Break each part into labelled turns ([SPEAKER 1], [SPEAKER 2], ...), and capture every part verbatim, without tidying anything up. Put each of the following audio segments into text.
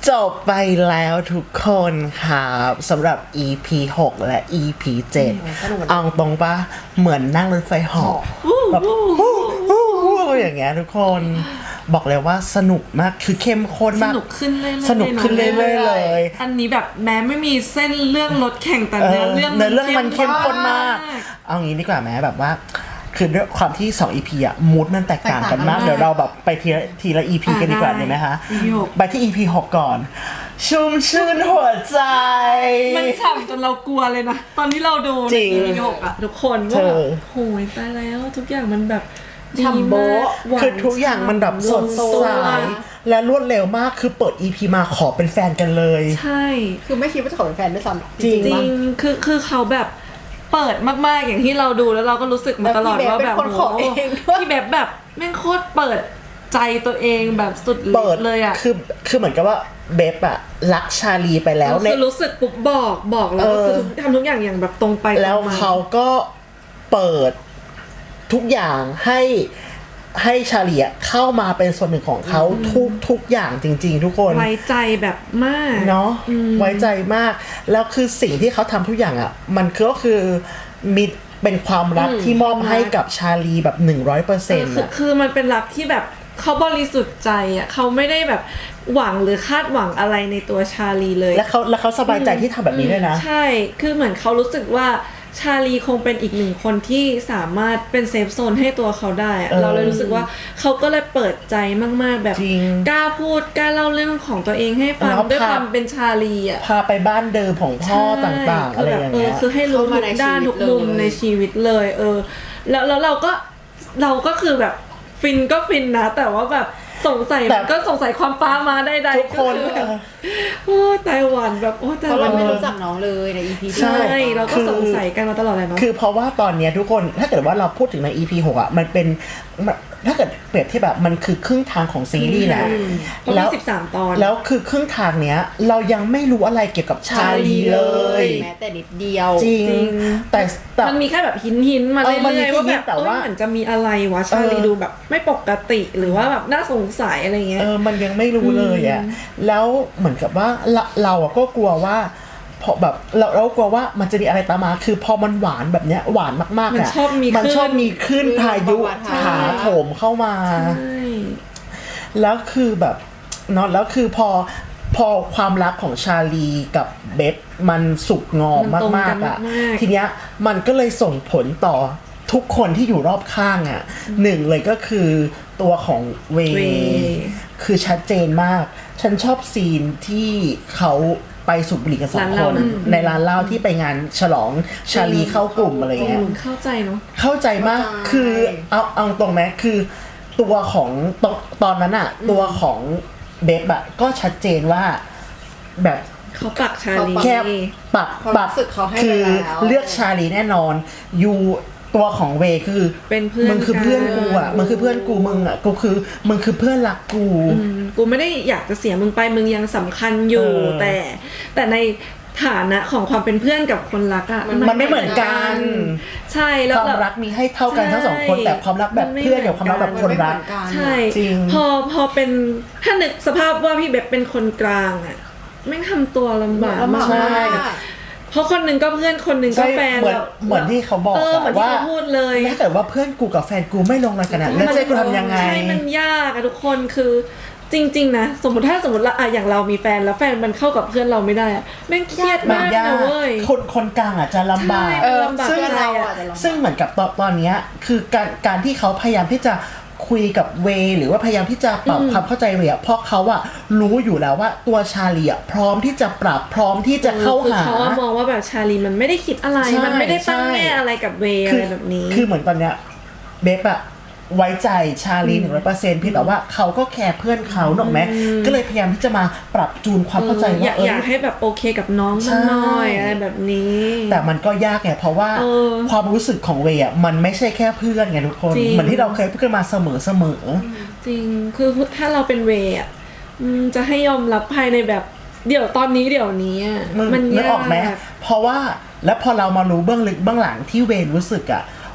[SPEAKER 1] จบไปแล้วทุกคนครับสำหรับ อี พี หกและ อี พี เจ็ดเอาตรงปะเหมือนนั่งรถไฟเหาะแบบอย่างเงี้ยทุกคนบอกเลยว่าสนุกมากคือเข้มข้นมาก
[SPEAKER 2] สนุกขึ้นเรื่อยๆ
[SPEAKER 1] สนุกขึ้นเรื่อยๆเลย
[SPEAKER 2] อันนี้แบบแม้ไม่มีเส้นเรื่องรถแข่งแต่เนื้อเรื่อง
[SPEAKER 1] เนื้อเรื่องมันเข้มข้นมากเอางี้ดีกว่าแม้แบบว่าคือด้วยความที่สอง อี พี อ่ะมูดมันแตกต่างกันมากเดี๋ยวเราแบบไปทีละทีละ อี พี กันดีกว่าดีไหมคะไปที่ อี พี หกก่อนชุ่มชื่นหัวใจ
[SPEAKER 2] มันฉ่ำจนเรากลัวเลยนะตอนที่เราดูใน อี พี หกอ่ะทุกคนว่าโหยตายแล้วทุกอย่างมันแบบ
[SPEAKER 3] ฉ่ำโบ๊ะ
[SPEAKER 1] คือทุกอย่างมันแบบสดใสและรวดเร็วมากคือเปิด อี พี มาขอเป็นแฟนกันเลย
[SPEAKER 2] ใช่
[SPEAKER 3] คือไม่คิดว่าจะขอเป็นแฟนด้วยซ้ำ
[SPEAKER 1] จริง
[SPEAKER 2] จริงคือคือเขาแบบเปิดมากๆอย่างที่เราดูแล้วเราก็รู้สึกมาตลอดว่าแบบ
[SPEAKER 3] โอ้
[SPEAKER 2] พี่แบบแบบแม่งโคตรเปิดใจตัวเองแบบสุดเลยอ่ะ
[SPEAKER 1] คือคือเหมือนกับว่าเบฟอะรักชาลีไปแล้ว
[SPEAKER 2] คือรู้สึกปุ๊บบอกบอกแล้วก็คือทำทุกอย่างอย่างแบบตรงไป
[SPEAKER 1] แล้วเขาก็เปิดทุกอย่างให้ให้ชาลีเข้ามาเป็นส่วนหนึ่งของเขาทุกทุกอย่างจริงๆทุกคน
[SPEAKER 2] ไว้ใจแบบมาก
[SPEAKER 1] เนาะไว้ใจมากแล้วคือสิ่งที่เขาทำทุกอย่างอ่ะมันก็คือมีเป็นความรักที่มอบให้กับชาลีแบบ หนึ่งร้อยเปอร์เซ็นต์
[SPEAKER 2] คือคือมันเป็นรักที่แบบเขาบริสุทธิ์ใจอ่ะเขาไม่ได้แบบหวังหรือคาดหวังอะไรในตัวชาลีเลย
[SPEAKER 1] แล้วเขาแล้วเขาสบายใจที่ทำแบบนี้ด้วยนะ
[SPEAKER 2] ใช่คือเหมือนเขารู้สึกว่าชาลีคงเป็นอีกหนึ่งคนที่สามารถเป็นเซฟโซนให้ตัวเขาได้เเราเลยรู้สึกว่าเขาก็เลยเปิดใจมากๆแบบกล้าพูดกล้าเล่าเรื่องของตัวเองให้ฟังด้วยความเป็นชาลีอ่ะ
[SPEAKER 1] พาไปบ้านเดิมของพ่อต่างๆอะไรอย่างเงี้ย
[SPEAKER 2] คือให้รู้ทุกด้านทุกมุมในชีวิตเลยเออแล้วแล้วเราก็เราก็คือแบบฟินก็ฟินนะแต่ว่าแบบสงสัยมันก็สงสัยความป้ามาได้ใด
[SPEAKER 1] ทุกคน
[SPEAKER 2] โอ้ไต้หวันแบบโอ้ไต้หวัน
[SPEAKER 3] เราไม่รู้จักน้องเลยใน อี พี
[SPEAKER 2] ใช่เราก็สงสัยกันมาตลอดเลยเนาะ
[SPEAKER 1] คือเพราะว่าตอนนี้ทุกคนถ้าเกิดว่าเราพูดถึงใน อี พี หกอ่ะมันเป็นถ้าเกิดเปรียบที่แบบมันคือครึ่งทางของซีรีส์นะ
[SPEAKER 2] แล้วสิบสามตอน
[SPEAKER 1] แล้วคือครึ่งทางเนี้ยเรายังไม่รู้อะไรเกี่ยวกับชาลีเลย
[SPEAKER 3] แม้แต่นิดเดียว
[SPEAKER 1] จริงแต่
[SPEAKER 2] มันมีแค่แบบหินหินมาเรื่อยๆว่าแบบเอ้ยเหมือนจะมีอะไรวะชาลีดูแบบไม่ปกติหรือว่าแบบน่าสงสัยอะไรเงี้ย
[SPEAKER 1] เออมันยังไม่รู้เลยอ่ะแล้วเหมือนกับว่าเราอ่ะก็กลัวว่าพอแบบเราเรากลัวว่ามันจะมีอะไรตามมาคือพอมันหวานแบบเนี้ยหวานมากๆอ่ะมันชอบมีขึ้นพายุถาโถมเข้ามาแล้วคือแบบเนาะแล้วคือพอพอความรักของชาลีกับเบฟมันสุกงอมมากๆอ่ะทีเนี้ยมันก็เลยส่งผลต่อทุกคนที่อยู่รอบข้างอ่ะหนึ่งเลยก็คือตัวของเวคือชัดเจนมากฉันชอบซีนที่เขาไปสูบบุหรี่กันสองคนในร้านเหล้าที่ไปงานฉลองชาลีเข้ากลุ่มอะไรเงี้ย
[SPEAKER 2] เข้าใจเนาะ
[SPEAKER 1] เข้าใจมากคือเอาเอาตรงไหมคือตัวของตอนตอนนั้นอะตัวของเบฟอะก็ชัดเจนว่าแบบ
[SPEAKER 2] เขาปักชาลี
[SPEAKER 1] แค่ปักปักคือเลือกชาลีแน่นอนยูตัวของเวคือ
[SPEAKER 2] เป็นเพื่อน
[SPEAKER 1] มึงคือเพื่อนกูอ่ะมึงคือเพื่อนกูมึงอ่ะกูคือมึงคือเพื่อนรักกู
[SPEAKER 2] กูไม่ได้อยากจะเสียมึงไปมึงยังสำคัญอยู่แต่แต่ในฐานะของความเป็นเพื่อนกับคนรักอ่ะ
[SPEAKER 1] มันไม่เหมือนกัน
[SPEAKER 2] ใช่แล้ว
[SPEAKER 1] ความรักมีให้เท่ากันทั้งสองคนแต่ความรักแบบเพื่อนกับความรักแบบคนรัก
[SPEAKER 2] ใช่พอพอเป็นถ้านึกสภาพว่าพี่แบบเป็นคนกลางอ่ะแม่งทำตัวลำบากมากเพราะคนหนึ่งก็เพื่อนคนหนึ่งก็แฟน
[SPEAKER 1] เหมือนเหมือนที่เขาบอกว่า
[SPEAKER 2] พูดเลย
[SPEAKER 1] ถ้าเกิดว่าเพื่อนกูกับแฟนกูไม่ลงรอยกันแล้วจะกูทำยังไง
[SPEAKER 2] ใช่มันยากอะทุกคนคือจริงๆนะสมมติถ้าสมมติละอย่างเรามีแฟนแล้วแฟนมันเข้ากับเพื่อนเราไม่ได้อะแม่งเครียดมากนะเว้ย
[SPEAKER 1] คนคนกลางอะจะลำบากซึ่งซึ่งเหมือนกับตอนตอนนี้คือการการที่เขาพยายามที่จะคุยกับเวหรือว่าพยายามที่จะปรับความเข้าใจเวอะเพราะเขาอะรู้อยู่แล้วว่าตัวชาลีอะพร้อมที่จะปรับพร้อมที่จะเข้าหา
[SPEAKER 2] เขามองว่าแบบชาลีมันไม่ได้คิดอะไรมันไม่ได้ตั้งแง่อะไรกับเวอะไรแบบนี้
[SPEAKER 1] คือเหมือนตอนเนี้ยเบฟอะไว้ใจชาลี หนึ่งร้อยเปอร์เซ็นต์ พี่แต่ว่าเขาก็แคร์เพื่อนเขาหรอกไหมก็เลยพยายามที่จะมาปรับจูนความเข้าใจว่า
[SPEAKER 2] อยากให้แบบโอเคกับน้องน้อยอะไรแบบนี้
[SPEAKER 1] แต่มันก็ยากไงเพราะว่าความรู้สึกของเวอ่ะมันไม่ใช่แค่เพื่อนไงทุกคนเหมือนที่เราเคยพูดกันมาเสมอเสมอ
[SPEAKER 2] จริงคือถ้าเราเป็นเวอ่ะจะให้ยอมรับภายในแบบเดี๋ยวตอนนี้เดี๋ยวนี้มัน
[SPEAKER 1] ยากออกไหมเพราะว่าแล้วพอเรามารู้เบื้องลึกเบื้องหลังที่เวรู้สึกอ่ะ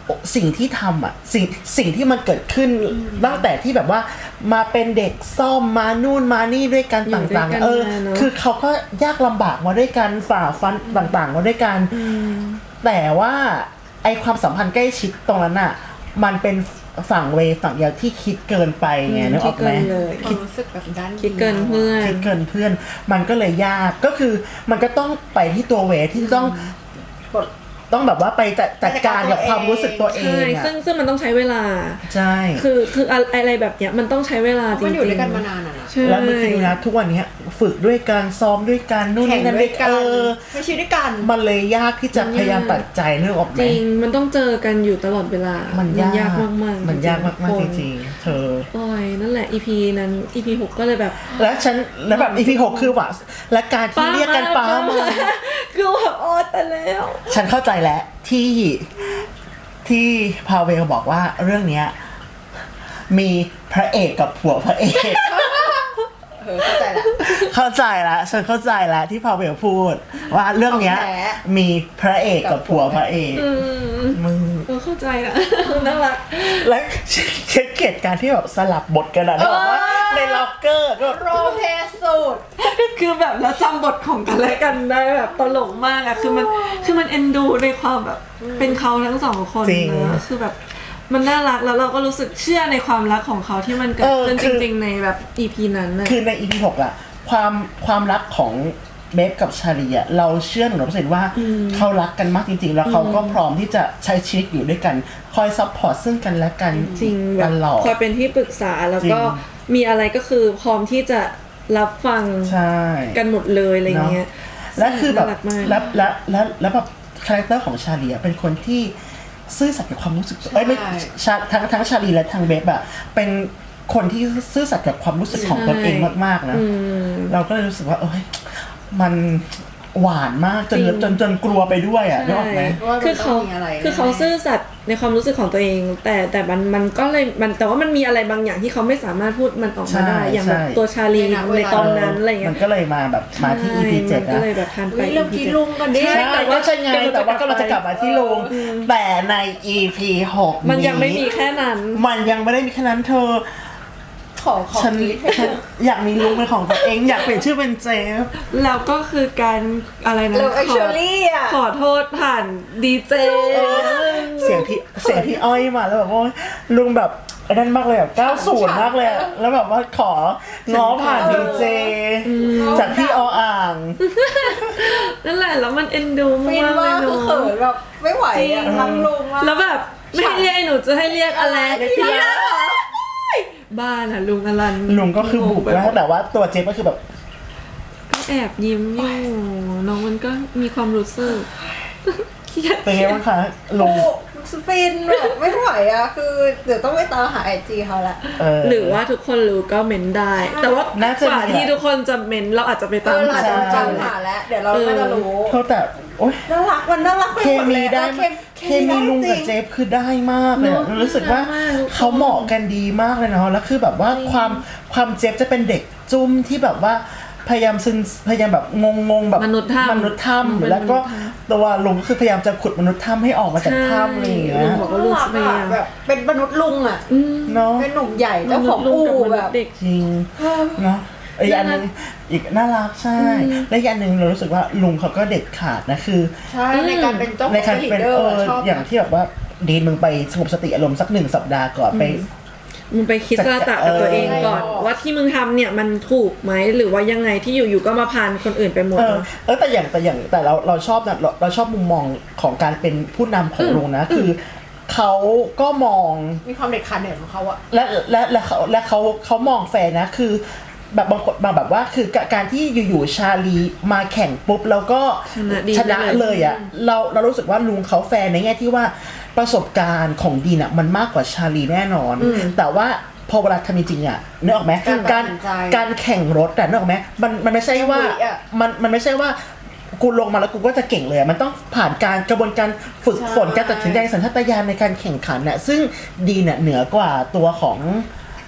[SPEAKER 1] สิ่งที่ทำอ่ะสิ่งสิ่งที่มันเกิดขึ้นตั้งแต่ที่แบบว่ามาเป็นเด็กซ่อมมานู่นมานี่ด้วยกันต่างๆเออคือเขาก็ยากลำบากมาด้วยกันฝ่าฟันต่างๆมาด้วยกันแต่ว่าไอความสัมพันธ์ใกล้ชิดตรงนั้นอ่ะมันเป็นฝั่งเวฝั่งเดียวที่คิดเกินไปไงนึกออกไหม
[SPEAKER 3] คิดรู้สึกแบบด้าน
[SPEAKER 2] คิดเกินเพื่อน
[SPEAKER 1] คิดเกินเพื่อนมันก็เลยยากก็คือมันก็ต้องไปที่ตัวเวที่ต้องต้องแบบว่าไปจัดการกับความรู้สึกตัวเอง
[SPEAKER 2] อ่ะซึ่งซึ่งมันต้องใช้เวลา
[SPEAKER 1] ใช่
[SPEAKER 2] คือคืออะไรแบบเนี้ยมันต้องใช้เวลาจริงๆมัน
[SPEAKER 3] อยู่ด้วยกันมานานอ่ะนะ
[SPEAKER 1] แล้วมันคือนะทุกวันนี้ฝึกด้วยกันซ้อมด้วยกันนู่นนี่นั่นด้วยกัน
[SPEAKER 3] ใช้ชีวิตด้วยกัน
[SPEAKER 1] มันเลยยากที่จะพยายามตัดใจนึกออกไหม
[SPEAKER 2] จริงมันต้องเจอกันอยู่ตลอดเวลา
[SPEAKER 1] มันยาก
[SPEAKER 2] มากๆ
[SPEAKER 1] มันยากมากๆจริงๆเธอ
[SPEAKER 2] โอ้ยนั่นแหละ อี พี นั้น อี พี หกก็เลยแบบ
[SPEAKER 1] แล้วฉันแล้วแบบ อี พี หกคือว่าและการที่เรียกกันป้ามา
[SPEAKER 2] คือแบบโอ๊ยแต่แล้ว
[SPEAKER 1] ฉันเข้าใจแล้วที่ที่พาเวลบอกว่าเรื่องเนี้ยมีพระเอกกับผัวพระเอก
[SPEAKER 3] เออเข้าใจละ
[SPEAKER 1] เข้าใจละฉันเข้าใจละที่พาเวลพูดว่าเรื่องเนี้ยมีพระเอกกับผัวพระเอก
[SPEAKER 2] มึงเออเข้าใจละน่ารัก
[SPEAKER 1] และเช็คเกตการที่แบบสลับบทกันอะแบบว่าในล็อกเกอร์ก็
[SPEAKER 3] โรเทสุด
[SPEAKER 2] คือแบบแล้วจำบทของกันและกันได้แบบตลกมากอะคือมันคือมันเอ็นดูในความแบบเป็นเขาทั้งสองคนนะคือแบบมันน่ารักแล้วเราก็รู้สึกเชื่อในความรักของเขาที่มันเกิดขึ้นจริงๆในแบบ อี พี นั้นนะ
[SPEAKER 1] คือใน อี พี หกอะความความรักของเบฟกับชาลีอะเราเชื่อหนึ่งร้อยเปอร์เซ็นต์ว่าเขารักกันมากจริงๆแล้วเขาก็พร้อมที่จะใช้ชีวิตอยู่ด้วยกันคอยซัพพอร์ตซึ่งกันและกัน
[SPEAKER 2] จริงแบบคอยเป็นที่ปรึกษาแล้วก็มีอะไรก็คือพร้อมที่จะรับฟังกันหมดเลยอะไรเงี้ย
[SPEAKER 1] และคือแบบแล้วแล้วแล้วแล้วแบบคาแรคเตอร์ของชาลีอะเป็นคนที่ซื่อสัตย์กับความรู้สึกเอ้ยไม่ทั้งทั้งชาลีและทั้งเบฟอะเป็นคนที่ซื่อสัตย์กับความรู้สึกของตนเองมากๆนะเราก็เลยรู้สึกว่าเอ้ยมันหวานมากจนจนจนกลัวไปด้วยอ่ะนึกออกไหม
[SPEAKER 2] คือเขาคือเขาซื่อสัตย์ในความรู้สึกของตัวเองแต่แต่มันมันก็เลยมันแต่ว่ามันมีอะไรบางอย่างที่เขาไม่สามารถพูดมันออกมาได้อย่างแบบตัวชาลีในตอนนั้นอะไรเงี้ย
[SPEAKER 1] มันก็เลยมาแบบมาที่ อี พี เจ็ด
[SPEAKER 2] นะก็เลยแบบทันไป
[SPEAKER 3] เรื่องกินลุงกันดิ
[SPEAKER 1] แต่ว่าใช่ไงแต่ว่าก็เราจะกลับมาที่ลุงแต่ใน อี พี หก
[SPEAKER 2] มันยังไม่มีแค่นั้น
[SPEAKER 1] มันยังไม่ได้มีแค่นั้นเธอฉันอยากมีลุงเป็นของตัวเองอยากเปลี่ยนชื่อเป็นเจฟ
[SPEAKER 2] แล้วก็คือการอะไรนะ
[SPEAKER 3] ขอ
[SPEAKER 2] ขอโทษผ่านดีเจ
[SPEAKER 1] เสียงพี่เสียงพี่อ้อยมาแล้วแบบว่าลุงแบบนั่นมากเลยแบบเก้าสิบมากเลยแล้วแบบว่าของ้อผ่านดีเจจากพี่ออ่าง
[SPEAKER 2] นั่นแหละแล้วมันเอ็นดูมากเลย
[SPEAKER 3] เนาะเขินแบบไม่ไหวอ่ะทั้งลุง
[SPEAKER 2] แล้วแบบไม่ให้เรียกหนูจะให้เรียกอะไรพี่บ้านอะลุงอลัน
[SPEAKER 1] ลุงก็คือบุกแล้วแต่ว่าตัวเจฟก็คือแบบ
[SPEAKER 2] ก็แอบยิ้มอยู่น้องมันก็มีความรู้สึก
[SPEAKER 1] เป็นไงบ้างคะลุง
[SPEAKER 3] สปินแบบไม่ไหวอะคือเดี๋ยวต้องไปตามหาไอจีเขาละ
[SPEAKER 2] หรือว่าทุกคนรู้ก็เม้นได้แต่ว่ากว่าที่ทุกคนจะเม้นเราอาจจะไปตามหา
[SPEAKER 3] ตามหาแล้วเดี๋ยวเราก็จะรู้
[SPEAKER 1] เขาแต่โอ๊ย
[SPEAKER 3] น่ารักมันน่ารัก
[SPEAKER 1] เคมีได้เคมีลุงกับเจฟคือได้มากเลยรู้สึกว่าเขาเหมาะกันดีมากเลยเนาะแล้วคือแบบว่าความความเจฟจะเป็นเด็กจุ้มที่แบบว่าพยายามซึนพยายามแบบงงๆแบบ
[SPEAKER 2] มนุษย์ถ้ำ
[SPEAKER 1] มนุษย์ถ้ำแล้วก็ตัวลุงคือพยายามจะขุดมนุษย์ถ้ำให้ออกมาจากถ้ำอะไรอย่างเงี้ย
[SPEAKER 2] ลุงบอกว่าลุงพยายาม
[SPEAKER 3] แบบเป็นมนุษย์ลุงอ่ะ
[SPEAKER 1] เนาะ
[SPEAKER 3] เป็นหนุ่มใหญ่เจ้าของอู่แบบ
[SPEAKER 1] เด็กจริงเนาะอีกอันนึงอีกน่ารักใช่และอีกอันนึงเรารู้สึกว่าลุงเขาก็เด็ดขาดนะคือ
[SPEAKER 3] ใช่ในการเป็นเจ้าของลีดเดอร์ชอบ
[SPEAKER 1] อย่างที่แบบว่าดีมึงไปสงบสติอารมณ์สักหนึ่งสัปดาห์ก่อนไป
[SPEAKER 2] มึงไปคิดสตะกับตัวเองก่อนว่าที่มึงทำเนี่ยมันถูกไหมหรือว่ายังไงที่อยู่ๆก็มาพานคนอื่นไปหมดเ
[SPEAKER 1] ออเออแต่อย่างแต่อย่างแต่เราเราชอบนะเราเราชอบมุมมองของการเป็นผู้นำของลุงนะคือเขาก็มอง
[SPEAKER 3] มีความเด็ดขาดเนี่ยของเขาอะ
[SPEAKER 1] และและและเขาและเขาเขามองแฟนนะคือแบบบางคนแบบว่าคือการที่อยู่ๆชาลีมาแข่งปุ๊บแล้วก็ชนะเลยอ่ะเราเรารู้สึกว่าลุงเขาแฟนในแง่ที่ว่าประสบการณ์ของดีน่ะมันมากกว่าชาลีแน่นอนแต่ว่าพอเวลาทำจริงๆอ่ะนึกออกไหมการการแข่งรถแต่นึกออกไหมมันมันไม่ใช่ว่ามันมันไม่ใช่ว่ากูลงมาแล้วกูก็จะเก่งเลยมันต้องผ่านการกระบวนการฝึกฝนการตัดสินใจสัญชาตญาณในการแข่งขันน่ะซึ่งดีน่ะเหนือกว่าตัวของ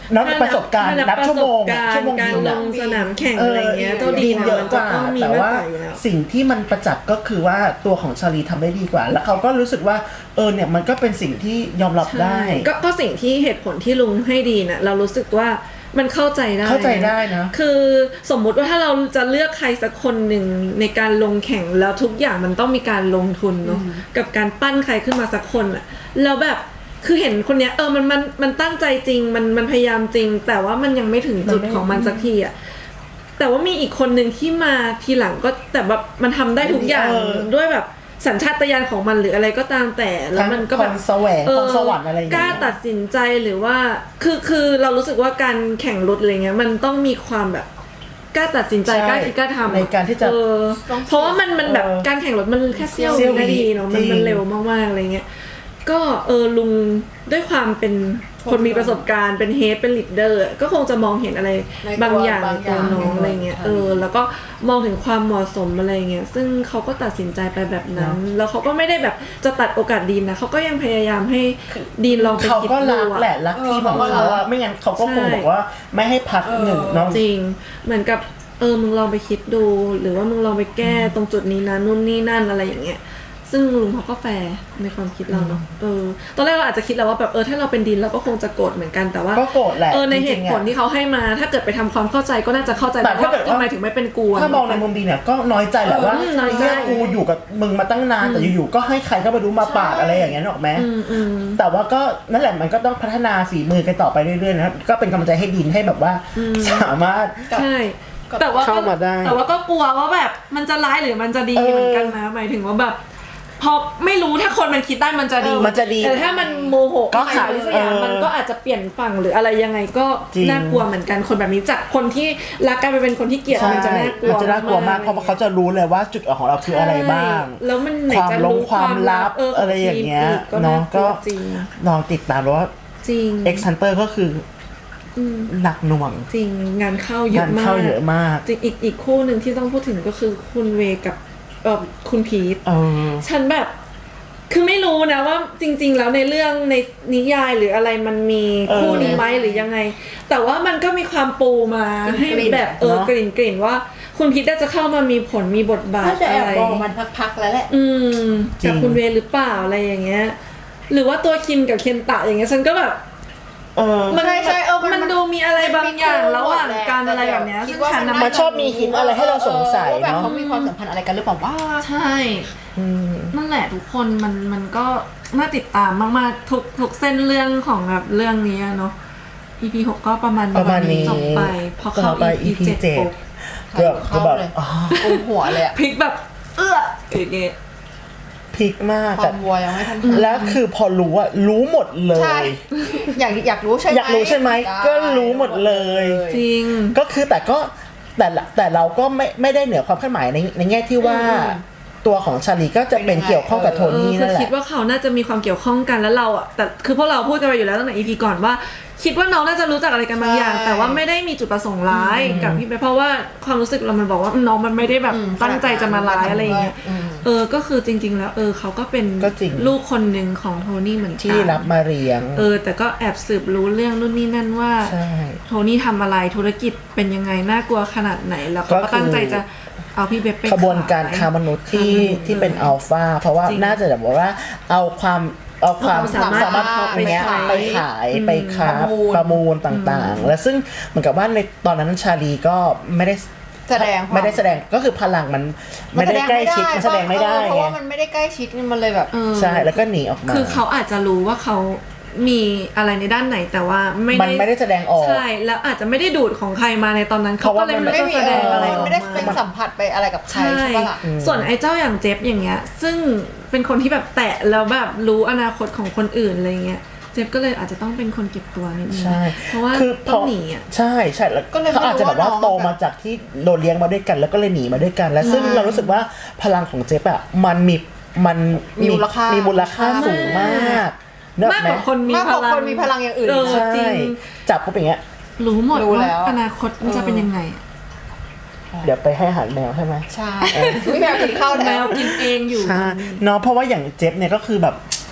[SPEAKER 1] นับประสบการณ์นับชั่วโมงชั่วโมง
[SPEAKER 2] การ
[SPEAKER 1] บิน
[SPEAKER 2] ล
[SPEAKER 1] อะ
[SPEAKER 2] งสนามแข่งอะไรเงี้ยเจ้าดี
[SPEAKER 1] นเยอะกว่า
[SPEAKER 2] มันจะต้องมี
[SPEAKER 1] แต่
[SPEAKER 2] มาก
[SPEAKER 1] ว่าก
[SPEAKER 2] ว่าอยู่แล้ว
[SPEAKER 1] สิ่งที่มันประจักษ์ก็คือว่าตัวของชาลีทำได้ดีกว่า แล้วเขาก็รู้สึกว่าเออเนี่ยมันก็เป็นสิ่งที่ยอมรับได้
[SPEAKER 2] ก็ก็สิ่งที่เหตุผลที่ลุงให้ดีน่ะเรารู้สึกว่ามันเข้าใจได้
[SPEAKER 1] เข้าใจได้นะ
[SPEAKER 2] คือสมมุติว่าถ้าเราจะเลือกใครสักคนหนึ่งในการลงแข่งแล้วทุกอย่างมันต้องมีการลงทุนเนาะกับการปั้นใครขึ้นมาสักคนอะแล้วแบบคือเห็นคนเนี้ยเออมันมันมันตั้งใจจริงมันมันพยายามจริง แต่ว่ามันยังไม่ถึงจุดของมันสักทีอะแต่ว่ามีอีกคนหนึ่งที่มาทีหลังก็แต่แบบมันทำได้ทุกอย่าง
[SPEAKER 1] เออ
[SPEAKER 2] ด้วยแบบสัญชาตญาณของมันหรืออะไรก็ตามแต่แล้วมันก็แบบ
[SPEAKER 1] พรแสวงพรสวรรค์อะไรอย่าง
[SPEAKER 2] ก
[SPEAKER 1] เงี้
[SPEAKER 2] ล้าย ตัดสินใจหรือว่าคือคือเรารู้สึกว่าการแข่งรถอะไรเงี้ยมันต้องมีความแบบกล้าตัดสินใจ
[SPEAKER 1] ใช่
[SPEAKER 2] กล้าคิดกล้าทำ
[SPEAKER 1] ในการที่จะ
[SPEAKER 2] เออเพราะว่ามันมันแบบ
[SPEAKER 1] เออ
[SPEAKER 2] การแข่งรถมันแค่เสี้ยว
[SPEAKER 1] เสี้ยว
[SPEAKER 2] วินาทีเนาะมัน
[SPEAKER 1] จริง
[SPEAKER 2] มันเร็วมากๆอะไรเงี้ยก็เออลุงด้วยความเป็นคนมีประสบการณ์เป็นเฮดเป็นลีดเดอร์ก็คงจะมองเห็นอะไร
[SPEAKER 3] ใน
[SPEAKER 2] บางอย่าง
[SPEAKER 3] บา
[SPEAKER 2] ใน
[SPEAKER 3] งอ
[SPEAKER 2] ตัว
[SPEAKER 3] ย่าง
[SPEAKER 2] น้องอะไรเงี้ยเออแล้วก็มองถึงความเหมาะสมอะไรเงี้ยซึ่งเขาก็ตัดสินใจไปแบบนั้น แล้วเขาก็ไม่ได้แบบจะตัดโอกาสดีนนะเขาก็ยังพยายามให้ดีนลองไป
[SPEAKER 1] เขา
[SPEAKER 2] คิด
[SPEAKER 1] ก็
[SPEAKER 2] ดู
[SPEAKER 1] รัก
[SPEAKER 2] อะ
[SPEAKER 1] แหละรักทีมของเขาอะไม่งั้นเขาก็คง
[SPEAKER 2] ใช่
[SPEAKER 1] บอกว่าไม่ให้พักหนึ่งเน้อง
[SPEAKER 2] จริงเหมือนกับเออมึงลองไปคิดดู หรือว่ามึงลองไปแก้ตรงจุดนี้นะนู่นนี่นั่นอะไรอย่างเงี้ยซึ่งลุงเขาก็แฟร์ในความคิดเราเนาะเออตอนแรกเราอาจจะคิดแล้วว่าแบบเออถ้าเราเป็นดินเราก็คงจะโกรธเหมือนกันแต่ว่า
[SPEAKER 1] ก็โกรธแหละ
[SPEAKER 2] เออใน
[SPEAKER 1] จ
[SPEAKER 2] เห
[SPEAKER 1] ริงๆ
[SPEAKER 2] ตุผล
[SPEAKER 1] อะ
[SPEAKER 2] ที่เขาให้มาถ้าเกิดไปทำความเข้าใจก็น่าจะเข้าใจ
[SPEAKER 1] แต่ถ้าเกิดว่า
[SPEAKER 2] ทำไมถึงไม่เป็นกูะ
[SPEAKER 1] ถ้ามองในมุมดีเนี่ยก็น้อยใจแหละว่า
[SPEAKER 2] เออน้อยใจ
[SPEAKER 1] เนี่ยกูอยู่กับมึงมาตั้งนานแต่อยู่ๆก็ให้ใครก็มาดูมาปาดอะไรอย่างเงี้ยหรอกไหม
[SPEAKER 2] อืมอืม
[SPEAKER 1] แต่ว่าก็นั่นแหละมันก็ต้องพัฒนาฝีมือกันต่อไปเรื่อยๆนะครับก็เป็นกำลังใจให้ดินให้แบบว่าสามารถ
[SPEAKER 2] ใช่ แต่ว่าก็
[SPEAKER 1] เข้ามาได้
[SPEAKER 2] แต่ว่าก็กลัวว่าแบบมันจะร้ายหรือมันจะดี
[SPEAKER 1] เออ
[SPEAKER 2] เหมือนกันนะหมายถึงว่าแบบพอไม่รู้ถ้าคนมันคิดได้มันจะดี
[SPEAKER 1] มันจะดี
[SPEAKER 2] แต่ถ้ามันโมโห
[SPEAKER 1] ก็หา
[SPEAKER 2] อะไรสักอย่าง
[SPEAKER 1] เออ
[SPEAKER 2] มันก็อาจจะเปลี่ยนฝั่งหรืออะไรยังไงก็
[SPEAKER 1] จริง
[SPEAKER 2] น่ากลัวเหมือนกันคนแบบนี้จากคนที่รักกันไปเป็นคนที่เกลียด
[SPEAKER 1] ใช่
[SPEAKER 2] มันจะน่ากลัว
[SPEAKER 1] มันจะน่ากลัวมากเพราะว่าเขาจะรู้เลยว่าจุดอ่อนของเราคืออะไรบ้าง
[SPEAKER 2] ใช่แล้วมันไหน
[SPEAKER 1] ความ
[SPEAKER 2] จะ
[SPEAKER 1] ลง
[SPEAKER 2] รู้
[SPEAKER 1] ความลับ
[SPEAKER 2] เข
[SPEAKER 1] อะไรอย่างเงี้ย
[SPEAKER 2] ทีมกก็
[SPEAKER 1] เนาะ
[SPEAKER 2] น่ากลั
[SPEAKER 1] ก็
[SPEAKER 2] วจริง
[SPEAKER 1] ลองติดตามแล้วว่า
[SPEAKER 2] จริง
[SPEAKER 1] X Hunter ก็คืออหนักหน่วง
[SPEAKER 2] จริงงานเข้าเย
[SPEAKER 1] งา
[SPEAKER 2] อะ
[SPEAKER 1] น
[SPEAKER 2] มาก
[SPEAKER 1] เข้าเยอะมาก
[SPEAKER 2] จริงอีกอีกคู่หนึ่งที่ต้องพูดถึงก็คือคุณเวกับเออคุณพีท
[SPEAKER 1] เออ
[SPEAKER 2] ฉันแบบคือไม่รู้นะว่าจริง ๆ แล้วในเรื่องในนิยายหรืออะไรมันมี
[SPEAKER 1] เออ
[SPEAKER 2] คู่นี้ไหมหรือยังไง แต่ว่ามันก็มีความปูมาให้
[SPEAKER 3] กลิ่น
[SPEAKER 2] แบบเออ
[SPEAKER 1] เนอะ
[SPEAKER 2] กลิ่นกลิ่นว่าคุณพีทน่าจะเข้ามามีผลมีบทบาท
[SPEAKER 3] น่าจะแอ
[SPEAKER 2] อะ
[SPEAKER 3] บ
[SPEAKER 2] ไร
[SPEAKER 3] บอกมันพักๆแล้วแหละ
[SPEAKER 2] อืม
[SPEAKER 1] จริง
[SPEAKER 2] จากคุณเวหรือเปล่าอะไรอย่างเงี้ย หรือว่าตัวคิมกับเคนตะอย่างเงี้ยฉันก็แบบ
[SPEAKER 1] เออ
[SPEAKER 2] มัน
[SPEAKER 3] ใช่ใช่เออมัน
[SPEAKER 2] มันดูมีอะไรบางอย่างระหว่างการอะไรแบบเนี้ย
[SPEAKER 3] คิ
[SPEAKER 2] ซึ่
[SPEAKER 3] ด
[SPEAKER 2] ง
[SPEAKER 3] ว่า
[SPEAKER 2] ฉันน่ะ
[SPEAKER 1] มันชอบมีหินอะไรให้เราสงสัย
[SPEAKER 3] ว่าแบบ
[SPEAKER 1] เนาะ
[SPEAKER 3] เขามีความสัมพันธ์อะไรกันหรือเปล่าว่า
[SPEAKER 2] ใช่
[SPEAKER 1] อืม
[SPEAKER 2] นั่นแหละทุกคนมันมันก็น่าติดตามมากๆทุกทุกเส้นเรื่องของแบบเรื่องนี้อะเนาะ อี พี หกก็ประมาณ
[SPEAKER 1] ประมาณนี้
[SPEAKER 2] จบไปพอเข้า
[SPEAKER 1] ต่อไป
[SPEAKER 2] อี
[SPEAKER 1] อี
[SPEAKER 2] พี
[SPEAKER 1] พี
[SPEAKER 2] เจ็ด
[SPEAKER 1] เจ็ด
[SPEAKER 2] ปุ๊บ
[SPEAKER 1] ก็ก็แบบ
[SPEAKER 3] เลย
[SPEAKER 1] อ๋อ
[SPEAKER 3] กุมหัวเลยอะ
[SPEAKER 2] พลิกแบบ เอื้ออย่างเงี้ย
[SPEAKER 1] พลิกมาก
[SPEAKER 3] ควา
[SPEAKER 1] แต่
[SPEAKER 3] มวัวยังไม่ทัน
[SPEAKER 1] แล้วคือพอรู้อะรู้หมดเล
[SPEAKER 3] ใช่
[SPEAKER 1] ย
[SPEAKER 3] อยากอยากรู้ใช่ไหม
[SPEAKER 1] อยากรู้ใช่ไหมก็รู้หมดเลย
[SPEAKER 2] จริง
[SPEAKER 1] ก็คือแต่ก็แต่ละแต่เราก็ไม่ไม่ได้เหนือความคาดหมายในในแง่ที่ว่า ตัวของชาลีก็จะเป็นเกี่ยวข้องกับโท
[SPEAKER 2] เออ
[SPEAKER 1] นี่
[SPEAKER 2] คื
[SPEAKER 1] นั่
[SPEAKER 2] อน
[SPEAKER 1] แห
[SPEAKER 2] คิด
[SPEAKER 1] ละ
[SPEAKER 2] ว่าเขาน่าจะมีความเกี่ยวข้องกันแล้วเราอ่ะแต่คือพวกเราพูดกันไปอยู่แล้วตั้งแต่ อี พี ก่อนว่า คิดว่าน้องน่าจะรู้จักอะไรกันบางอย่าง แต่ว่าไม่ได้มีจุดประสงค์ร้ายกับพี่เบเพราะว่าความรู้สึกเรามันบอกว่าน้องมันไม่ได้แบบตั้งใจจะมาร้ายอะไรอย่างเงี้ยเออก็คือจริง ๆ แล้วเออเขาก็เป็น
[SPEAKER 1] ก็จริง
[SPEAKER 2] ลูกคนหนึ่งของโทนี่เหมือนกัน
[SPEAKER 1] ที่รับมาเลี้ยง
[SPEAKER 2] เออแต่ก็แอบสืบรู้เรื่องนู่นนี่นั่นว่า
[SPEAKER 1] ใช่
[SPEAKER 2] โทนี่ทำอะไรธุรกิจเป็นยังไงน่ากลัวขนาดไหนแล้วเขา
[SPEAKER 1] ก็
[SPEAKER 2] ก็
[SPEAKER 1] คือ
[SPEAKER 2] ตั้งใจจะเอาพี่เบบไป
[SPEAKER 1] ขบวนการ
[SPEAKER 2] ขย
[SPEAKER 1] ค้ามนุษย์ที่
[SPEAKER 2] ค้ามนุษย์
[SPEAKER 1] ที่เป็น
[SPEAKER 2] ลย
[SPEAKER 1] อัลฟาเพราะว่า
[SPEAKER 2] จริง
[SPEAKER 1] น่าจะแบบว่าเอาความเอาความ
[SPEAKER 2] เอาความสามารถ
[SPEAKER 1] สามารถ
[SPEAKER 2] ไป
[SPEAKER 1] เนี้ย
[SPEAKER 2] ขาย
[SPEAKER 1] ไปขายไปค้า
[SPEAKER 3] ประมูล
[SPEAKER 1] ประมูลต่างๆ และซึ่งเหมือนกับว่าในตอนนั้นชาลีก็ไม่ได้
[SPEAKER 3] แสดงความ
[SPEAKER 1] ไม่ได้แสดงก็คือพลังมันไม่ได้ใกล้ชิดมันแสดงไม่ได้
[SPEAKER 3] เพราะ
[SPEAKER 1] ไง
[SPEAKER 3] ว่ามันไม่ได้ใกล้ชิดมันเลยแบบ
[SPEAKER 2] เออ
[SPEAKER 1] ใช่แล้วก็หนีออกมา
[SPEAKER 2] คือเขาอาจจะรู้ว่าเขามีอะไรในด้านไหนแต่ว่าไม่
[SPEAKER 1] มันไม่ได้แสดงออก
[SPEAKER 2] ใช่แล้วอาจจะไม่ได้ดูดของใครมาในตอนนั้นเขาก็เลยไม่
[SPEAKER 3] ไม่
[SPEAKER 2] รู้
[SPEAKER 3] มี
[SPEAKER 2] จะแสดงอะไรออก
[SPEAKER 3] ไม่ได้เป็น
[SPEAKER 2] มา
[SPEAKER 3] สัมผัสไปอะไรกับใคร
[SPEAKER 2] ใช่
[SPEAKER 3] ใช่ปะล่ะ
[SPEAKER 2] ส่วนไอ้เจ้าอย่างเจฟอย่างเงี้ย ซึ่งเป็นคนที่แบบแตะแล้วแบบรู้อนาคตของคนอื่นอะไรเงี้ยเจฟก็เลยอาจจะต้องเป็นคนเก็บตัวนิดนึง
[SPEAKER 1] ใช่
[SPEAKER 2] เพราะว่า
[SPEAKER 1] คือ
[SPEAKER 2] ต้องหนีอ่ะ
[SPEAKER 1] ใช่ใช่แล้ว
[SPEAKER 3] ก็เลยไม่รู้
[SPEAKER 1] เขาอาจจะแบบว่า
[SPEAKER 3] ว่าน้อง
[SPEAKER 1] โตมาจากที่โดนเลี้ยงมาด้วยกัน แล้วก็เลยหนีมาด้วยกัน และซึ่ง
[SPEAKER 3] ใช่
[SPEAKER 1] เรารู้สึกว่าพลังของเจฟอะมันมีมัน
[SPEAKER 3] มีมูลค่ามี
[SPEAKER 1] มูลค่าสูงมากเนอะ
[SPEAKER 2] มาก
[SPEAKER 1] ไหม
[SPEAKER 2] กว่าคนมี
[SPEAKER 3] มาก
[SPEAKER 2] พ
[SPEAKER 3] กว่า
[SPEAKER 2] ลัง
[SPEAKER 3] คนมีพลังอย่างอื่น
[SPEAKER 2] เออ
[SPEAKER 1] ใช่
[SPEAKER 2] จริง
[SPEAKER 1] จับปุ๊บอย่างเงี้ย
[SPEAKER 2] รู้หมด
[SPEAKER 3] รู้
[SPEAKER 2] ว่า
[SPEAKER 3] แล้ว
[SPEAKER 2] อนาคตมันจะเป็นยังไงอะ
[SPEAKER 1] เดี๋ยวไปให้อาหารแมวใช่ไหม
[SPEAKER 3] ใช่ไม่แมวกินข้าว
[SPEAKER 2] แม
[SPEAKER 3] แล้ว
[SPEAKER 2] วกินเองอยู่
[SPEAKER 1] ใช่เนาะเพราะว่าอย่างเจฟเนี่ยก็คือแบบ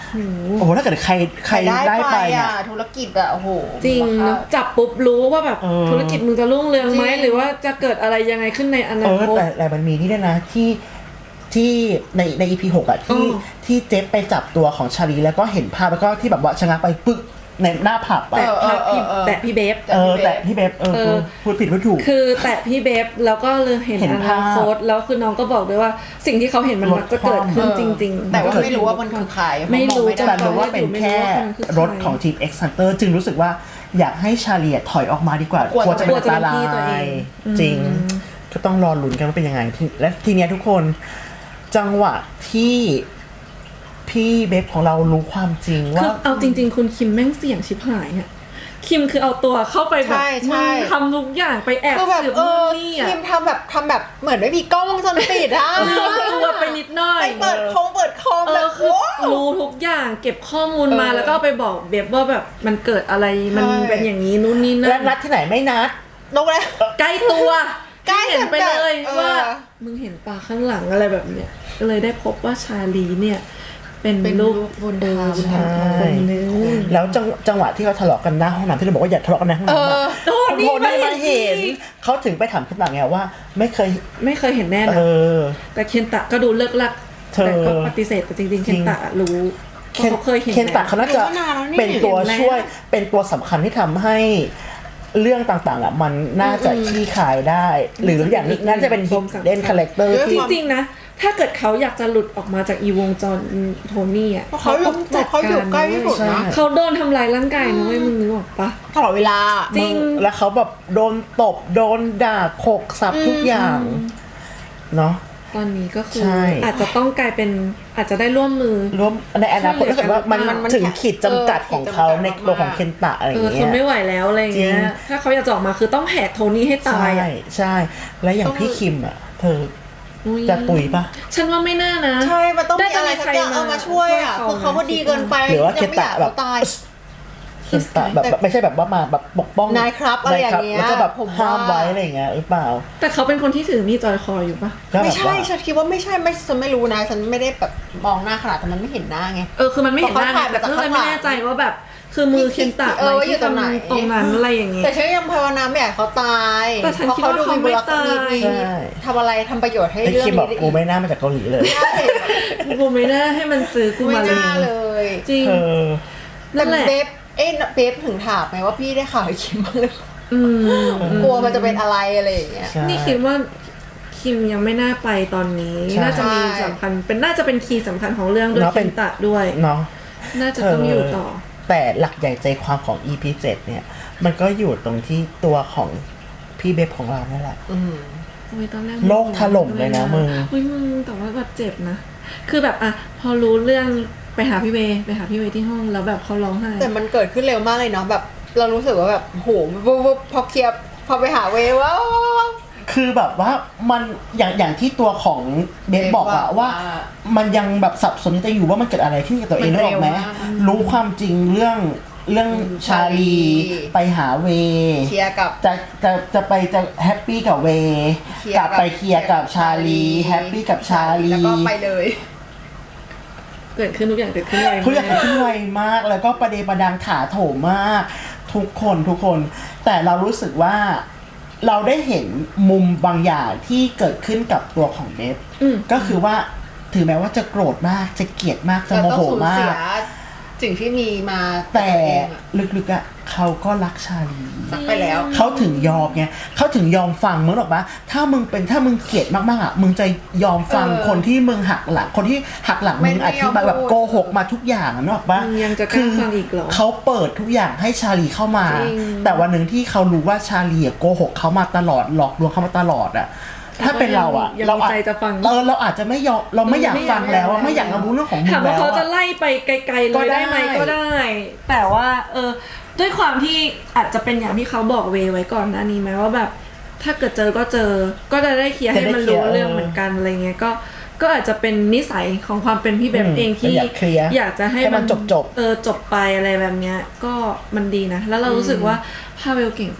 [SPEAKER 1] โอ้โหถ้าเกิดใครใครได้ไปเนี่ย
[SPEAKER 3] ธุรกิจอะโอ้โห
[SPEAKER 2] จริงเนอะจับปุ๊บรู้ว่าแบบ
[SPEAKER 1] เออ
[SPEAKER 2] ธุรกิจมึงจะรุ่งเรืองไหมหรือว่าจะเกิดอะไรยังไงขึ้นในอนา
[SPEAKER 1] เออ
[SPEAKER 2] คต
[SPEAKER 1] แต่แต่มันมีนี่ด้วยนะที่ที่ในใน อี พี หกอ่ะที่
[SPEAKER 2] อ๋อ
[SPEAKER 1] ที่เจฟไปจับตัวของชาลีแล้วก็เห็นภาพแล้วก็ที่แบบว่าชะงักไปปึ๊กในหน้าผับ
[SPEAKER 2] แต่
[SPEAKER 1] อ่ะ
[SPEAKER 2] พาพี่
[SPEAKER 3] เออเออ
[SPEAKER 2] แต่พี่เบฟ
[SPEAKER 1] เออแต่พี่เบฟเออ
[SPEAKER 2] เออ
[SPEAKER 1] พูดผิดพูดถูก
[SPEAKER 2] คือแต่พี่เบฟแล้วก็เลยเห็น
[SPEAKER 1] เห็น
[SPEAKER 2] อ
[SPEAKER 1] ภาพ
[SPEAKER 2] นาคตแล้วคือน้องก็บอกด้วยว่าสิ่งที่เขาเห็นมันมักจะเกิดขึ้นจริงๆ
[SPEAKER 3] แต่ว่าไม่รู้ว่ามันคือใคร
[SPEAKER 2] ไม่รู้
[SPEAKER 3] เพาะมองไม่ได้
[SPEAKER 1] แต่รู้ว่าเป็นแค่รถของ
[SPEAKER 2] ใค
[SPEAKER 1] ทีม X Hunter จึงรู้สึกว่าอยากให้ชาลีถอยออกมาดีกว่าก
[SPEAKER 3] ลัว
[SPEAKER 1] จะเป็น
[SPEAKER 2] กลัวจะ
[SPEAKER 1] อัน
[SPEAKER 2] เป็
[SPEAKER 1] ต
[SPEAKER 2] นพี่ตัว
[SPEAKER 1] รา
[SPEAKER 2] เอย ง
[SPEAKER 1] จริง ก็ต้องรอลุ้นกันว่าเป็นยังไงที่และทีเนี้ยทุกคนจังหวะที่พี่เบฟของเรารู้ความจริง
[SPEAKER 2] คื
[SPEAKER 1] ว่า
[SPEAKER 2] อเอาจริง ๆ คุณคิมแม่งเสี่ยงชิบหายอ่ะคิมคือเอาตัวเข้าไปแบบ
[SPEAKER 3] ใช่ใช่
[SPEAKER 2] มึงทำทุกอย่างไปแอบ
[SPEAKER 3] คือแบบ
[SPEAKER 2] สืบ
[SPEAKER 3] เอ
[SPEAKER 2] นู่
[SPEAKER 3] อน
[SPEAKER 2] นี่อ่ะ
[SPEAKER 3] ทีมทำแบบทำแบบเหมือนไม่มีกล้องวงจรปิดอะ
[SPEAKER 2] ตัวไปนิดหน่อย
[SPEAKER 3] ไปเปิดคงเปิดคอม
[SPEAKER 2] เอ
[SPEAKER 3] แบ
[SPEAKER 2] อบ คือ
[SPEAKER 3] ว้าว
[SPEAKER 2] รู้ทุกอย่างเก็บข้อมูลมา
[SPEAKER 3] เออ
[SPEAKER 2] แล้วก็ไปบอกเบบว่าแบบมันเกิดอะไรมัน
[SPEAKER 3] ใช่
[SPEAKER 2] เป็นอย่างนี้นู่นนี่นั่
[SPEAKER 1] และ
[SPEAKER 2] น
[SPEAKER 1] นัดที่ไหนไม่นัด
[SPEAKER 3] นกเลย
[SPEAKER 2] ใกล้ตัว
[SPEAKER 3] ใกล้
[SPEAKER 2] เห็นไปเลย
[SPEAKER 3] แบบเออ
[SPEAKER 2] ว่ามึงเห็นปลาข้างหลังอะไรแบบเนี้ยก็เลยได้พบว่าชาลีเนี่ยเป็น
[SPEAKER 3] เป็น
[SPEAKER 2] ลูก
[SPEAKER 3] ลูกบุญธรรม
[SPEAKER 2] บุญธรรมคนนึง
[SPEAKER 1] แล้วจังจังหวะที่เขาทะเลาะกันหน้าห้องน้ำที่เราบอกว่าอย่าทะเลาะกันในห้องน้ำอะ
[SPEAKER 2] โอ้นี่
[SPEAKER 1] โทนี่
[SPEAKER 2] ไม่
[SPEAKER 1] มา
[SPEAKER 2] เห็
[SPEAKER 1] เห็
[SPEAKER 2] น
[SPEAKER 1] นเขาถึงไปถามขึ้นมาไงว่า ไม่เคย
[SPEAKER 2] ไม่เคยเห็นแน่
[SPEAKER 1] เอ
[SPEAKER 2] นะ
[SPEAKER 1] อ
[SPEAKER 2] แต่เคนตะก็ดูเลิกลัก
[SPEAKER 1] เธอ
[SPEAKER 2] แต่ก็ปฏิเสธแต่จริงๆ เคนตะรู้
[SPEAKER 1] เคน
[SPEAKER 2] เขาเคยเห็น
[SPEAKER 1] เคนตะเขาน่าจะ
[SPEAKER 3] รู้มานานแล้วนี่
[SPEAKER 1] เป็นตัว
[SPEAKER 2] เห็นแล้ว
[SPEAKER 1] ช่วยเป็นตัวสำคัญที่ทำให้เรื่องต่างๆอ่ะมันน่าจะขี้ขายได้ หรืออย่างนี้น่าจะเป็น hidden character
[SPEAKER 2] จ
[SPEAKER 1] ที่
[SPEAKER 2] ริงๆนะถ้าเกิดเขาอยากจะหลุดออกมาจากอีวงจรโทนี่อ่ะ
[SPEAKER 3] เพราะเขาอยู่
[SPEAKER 2] ต้องจัด
[SPEAKER 3] เขาอยู่
[SPEAKER 2] การ
[SPEAKER 3] ใกล้ที่สุด
[SPEAKER 1] ใช่
[SPEAKER 3] นะ
[SPEAKER 2] เขาโดนทำลายร่างกายนะเว้ยมึงนึกออกปะ
[SPEAKER 3] ตลอดเวลา
[SPEAKER 2] จริง
[SPEAKER 1] แล้วเขาแบบโดนตบโดนด่าโขกสับทุกอย่างเนาะ
[SPEAKER 2] ตอนนี้ก็คือ
[SPEAKER 1] ใช่
[SPEAKER 2] อาจจะต้องกลายเป็นอาจจะได้ร่วมมือ
[SPEAKER 1] รวมในอนาคตถ้าเกิดว่ามัน
[SPEAKER 3] มันมัน
[SPEAKER 1] ถึงขีดจำกัดของเขา
[SPEAKER 3] เออ
[SPEAKER 1] ในตัวของเคนตะอะไรอ
[SPEAKER 2] เอย่าง อท
[SPEAKER 1] เงี้
[SPEAKER 2] น
[SPEAKER 1] ย
[SPEAKER 2] ไม่ไหวแล้วอะไรอย่างเงี้
[SPEAKER 1] จริ
[SPEAKER 2] ย
[SPEAKER 1] ง
[SPEAKER 2] ถ้าเขาอยากจะออกมาคือต้องแหกโทนี่ให้ตา
[SPEAKER 1] ใช่
[SPEAKER 2] ยอ่ะ
[SPEAKER 1] ใช่ แล้วอย่าง
[SPEAKER 3] ต้อง
[SPEAKER 1] พี่คิมอ่ะ เธอ
[SPEAKER 2] อุ๊ย
[SPEAKER 1] จะตุยปะ
[SPEAKER 2] ฉันว่าไม่น่านะ
[SPEAKER 3] ใช่ มันต้องมีอะไร
[SPEAKER 2] น่าจะมี
[SPEAKER 3] สักอย่าง
[SPEAKER 2] ใครมา
[SPEAKER 3] เอามาช่วยอ่ะ
[SPEAKER 2] ช่วยเขา
[SPEAKER 3] คือเขาก็ดีเกินไป
[SPEAKER 1] หรือว่า
[SPEAKER 3] ยั
[SPEAKER 1] เคน
[SPEAKER 3] ไม่อ
[SPEAKER 1] ตะ
[SPEAKER 3] ยาก
[SPEAKER 1] แบ
[SPEAKER 3] เขา
[SPEAKER 1] บ
[SPEAKER 3] ตาย
[SPEAKER 1] เคนตะแบบแบบไม่ใช่แบบว่ามาแบบปกป้อง
[SPEAKER 3] นายครับอะไรอย่างเงี้ย
[SPEAKER 1] แล้วก็แบบ
[SPEAKER 3] ผมว่า
[SPEAKER 1] ห้ามไว้อะไรอย่างเงี้ยหรือเปล่า
[SPEAKER 2] แต่เขาเป็นคนที่ถือมีดจอยคออยู่ปะ
[SPEAKER 1] ก็แบบ
[SPEAKER 3] ไม่ใช่
[SPEAKER 1] ว่า
[SPEAKER 3] ฉันคิดว่าไม่ใช่ไม่ฉันไม่รู้นะ ฉันไม่ได้แบบมองหน้าขนาดแต่มันไม่เห็นหน้าไง
[SPEAKER 2] เออคือมันไม่เห็นหน้า
[SPEAKER 3] เพราะเขาถ่าย
[SPEAKER 2] แต่
[SPEAKER 3] มาจาก
[SPEAKER 2] ก็เลย
[SPEAKER 3] ข้างหลั
[SPEAKER 2] ไม่
[SPEAKER 3] ง
[SPEAKER 2] แน่ใจว่าแบบคือมือเคนตะ
[SPEAKER 3] เออ
[SPEAKER 2] ไหม
[SPEAKER 3] ว่าอยู่
[SPEAKER 2] ที่
[SPEAKER 3] ตรงไหน
[SPEAKER 2] ตรงนั้นอะไรอย่างเงี้ย
[SPEAKER 3] แต่ฉันยังภาวนาไม่อยากให้เขาตาย
[SPEAKER 2] แต่ฉัน
[SPEAKER 3] เพราะ
[SPEAKER 2] คิด
[SPEAKER 3] เขา
[SPEAKER 2] ว่า
[SPEAKER 3] ดู
[SPEAKER 2] เขา
[SPEAKER 3] มีบุ
[SPEAKER 2] ไม่
[SPEAKER 3] ร
[SPEAKER 2] ตาย
[SPEAKER 3] มี
[SPEAKER 1] ใช่
[SPEAKER 3] ทำอะไรทำประโยชน์ให้
[SPEAKER 1] ไอ้
[SPEAKER 3] เรื่อง
[SPEAKER 1] คิม
[SPEAKER 3] นี้
[SPEAKER 1] บอก
[SPEAKER 3] ได้
[SPEAKER 1] กู
[SPEAKER 3] อีก
[SPEAKER 1] ไม่น่ามาจากเกาหลีเลย
[SPEAKER 3] ใช่
[SPEAKER 2] กูไม่น่าให้มันซื้อกู
[SPEAKER 3] ไม่
[SPEAKER 2] มาเลย
[SPEAKER 3] น่าเลย
[SPEAKER 2] จริง
[SPEAKER 1] เออ
[SPEAKER 2] นั่
[SPEAKER 3] แต่
[SPEAKER 2] นแหละ
[SPEAKER 3] เบฟเอ๊ะเบฟถึงถามไหมว่าพี่ได้ข่าวไอ้คิมบ้างหรือเปล่า
[SPEAKER 2] อืม
[SPEAKER 3] กลัวมันจะเป็นอะไรอะไรอย่างเงี้ย
[SPEAKER 1] ใช่
[SPEAKER 2] นี่คิดว่าคิมยังไม่น่าไปตอนนี้
[SPEAKER 1] ใช่
[SPEAKER 2] น่าจะมีสำคัญเป็นน่าจะเป็นคีย์สำคัญของเรื่องด้วย
[SPEAKER 1] เนาะ
[SPEAKER 2] เคน
[SPEAKER 1] เป็น
[SPEAKER 2] ตะด้วย
[SPEAKER 1] เนาะ
[SPEAKER 2] น่าจะต้องอยู่ต่อ
[SPEAKER 1] แต่หลักใหญ่ใจความของ อี พี เจ็ดเนี่ย มันก็อยู่ตรงที่ตัวของพี่เบฟของเรานั่นแหละ
[SPEAKER 3] อืม
[SPEAKER 2] โอ้ยตอนแรก
[SPEAKER 1] โลกถล่มเลยนะมึง
[SPEAKER 2] อุ้ยมึงแต่ว่าแบบเจ็บนะ คือแบบอ่ะพอรู้เรื่องไปหาพี่เวย์ไปหาพี่เวย์ที่ห้องแล้วแบบเขาร้องไห้
[SPEAKER 3] แต่มันเกิดขึ้นเร็วมากเลยเนาะแบบเรารู้สึกว่าแบบโหวุบวุบพอเคลียร์พอไปหาเวว้าว
[SPEAKER 1] คือแบบว่ามันอย่างอย่างที่ตัวของเบฟบอกอะ
[SPEAKER 3] เบฟบอก
[SPEAKER 1] ว่า
[SPEAKER 3] ว่า
[SPEAKER 1] มันยังแบบสับสนใจอยู่ว่ามันเกิดอะไรขึ้นกับตัวเอง
[SPEAKER 3] มัน
[SPEAKER 1] ได้หรอกไหม
[SPEAKER 3] เร็วมาก
[SPEAKER 1] รู้ความจริงเรื่องเรื่อง
[SPEAKER 3] อืม
[SPEAKER 1] ชาลี
[SPEAKER 3] ชาลี
[SPEAKER 1] ไปหาเว
[SPEAKER 3] เคลียร์กับ
[SPEAKER 1] จะจะจะไปจะแฮปปี้กับเว
[SPEAKER 3] เคลียร์
[SPEAKER 1] กลับไป
[SPEAKER 3] กับ
[SPEAKER 1] เคลียร์กับชาลีแฮปปี้กับชาลี
[SPEAKER 3] แล้วก็ไปเลย
[SPEAKER 2] เกิดขึ้นทุกอย่างเกิดขึ้นไว
[SPEAKER 1] ทุกอย่าง
[SPEAKER 2] มาก
[SPEAKER 1] ขึ้นไวมากแล้วก็ประเดประดังถาโถมมาก ทุกคนทุกคน แต่เรารู้สึกว่าเราได้เห็นมุมบางอย่างที่เกิดขึ้นกับตัวของเบฟ
[SPEAKER 2] อืม
[SPEAKER 1] ก็คือว่าถึงแม้ว่าจะโกรธมากจะเกลียดมากจะ
[SPEAKER 3] เรา
[SPEAKER 1] โม
[SPEAKER 3] ต้อง
[SPEAKER 1] โห
[SPEAKER 3] สูญ
[SPEAKER 1] มา
[SPEAKER 3] เสี
[SPEAKER 1] ก
[SPEAKER 3] ยสิ่งที่มีมา
[SPEAKER 1] แต่
[SPEAKER 3] ตัวเองอะ
[SPEAKER 1] ลึกๆอ่ะเขาก็รักชาลี
[SPEAKER 3] ตักไปแล้ว
[SPEAKER 1] เขาถึงยอมไงเขาถึงยอมฟังมึงหรอกปะถ้ามึงเป็นถ้ามึงเกลียดมากๆอ่ะมึงจะยอมฟัง
[SPEAKER 3] เออ
[SPEAKER 1] คนที่มึงหักหลังคนที่หักหลัง
[SPEAKER 3] ไม่
[SPEAKER 1] มึง
[SPEAKER 3] ไม่
[SPEAKER 1] อธิบาย
[SPEAKER 3] ยอม
[SPEAKER 1] แบบ
[SPEAKER 3] พูด
[SPEAKER 1] โกหกมาทุกอย่างอะนึกออกปะ
[SPEAKER 2] มึงยังจะกล้าฟังอีกเหรอ
[SPEAKER 1] เขาเปิดทุกอย่างให้ชาลีเข้ามา
[SPEAKER 2] จริง
[SPEAKER 1] แต่วันหนึ่งที่เขารู้ว่าชาลีอะโกหกเขามาตลอดหลอกลวงเขามาตลอดอ่ะถ้าเป็นเราอ่ะ
[SPEAKER 2] ยัง
[SPEAKER 1] เรา
[SPEAKER 2] มี
[SPEAKER 1] อาจ
[SPEAKER 2] ใจจะฟัง
[SPEAKER 1] เออเราอาจจะไม่ยอมเราไม่อยาก
[SPEAKER 2] ไม่อยาก
[SPEAKER 1] ฟังแล้วอะ
[SPEAKER 2] ไม่
[SPEAKER 1] ไม่อยาก ก
[SPEAKER 2] อายฟัง
[SPEAKER 1] รับรู้เรื่องของมึง
[SPEAKER 2] ถาม
[SPEAKER 1] แล้
[SPEAKER 2] ว่าว เขาจะ
[SPEAKER 1] อะ
[SPEAKER 2] ไล่ไปไกลๆเล
[SPEAKER 1] ก็
[SPEAKER 2] ย
[SPEAKER 1] ได้
[SPEAKER 2] ได้ไหมก็ได้ แต่ว่าเออด้วยความที่อาจจะเป็นอย่างที่เขาบอกเวไว้ก่อนหน้านี้ไหมว่าแบบถ้าเกิดเจอก็เจอ ก็จะได้เคลียร์ให้มันรู้เรื่องเหมือนกันอะไรเงี้ยก็ก็อาจจะเป็นนิสัยของความเป็นพี่เบฟเองที่
[SPEAKER 1] อยากเคลียร์
[SPEAKER 2] อยากจะให้
[SPEAKER 1] ให้มันจบๆ
[SPEAKER 2] เออจบไปอะไรแบบเนี้ยก็มันดีนะ แล้วเรารู้สึกว่าพาเวลเก่ง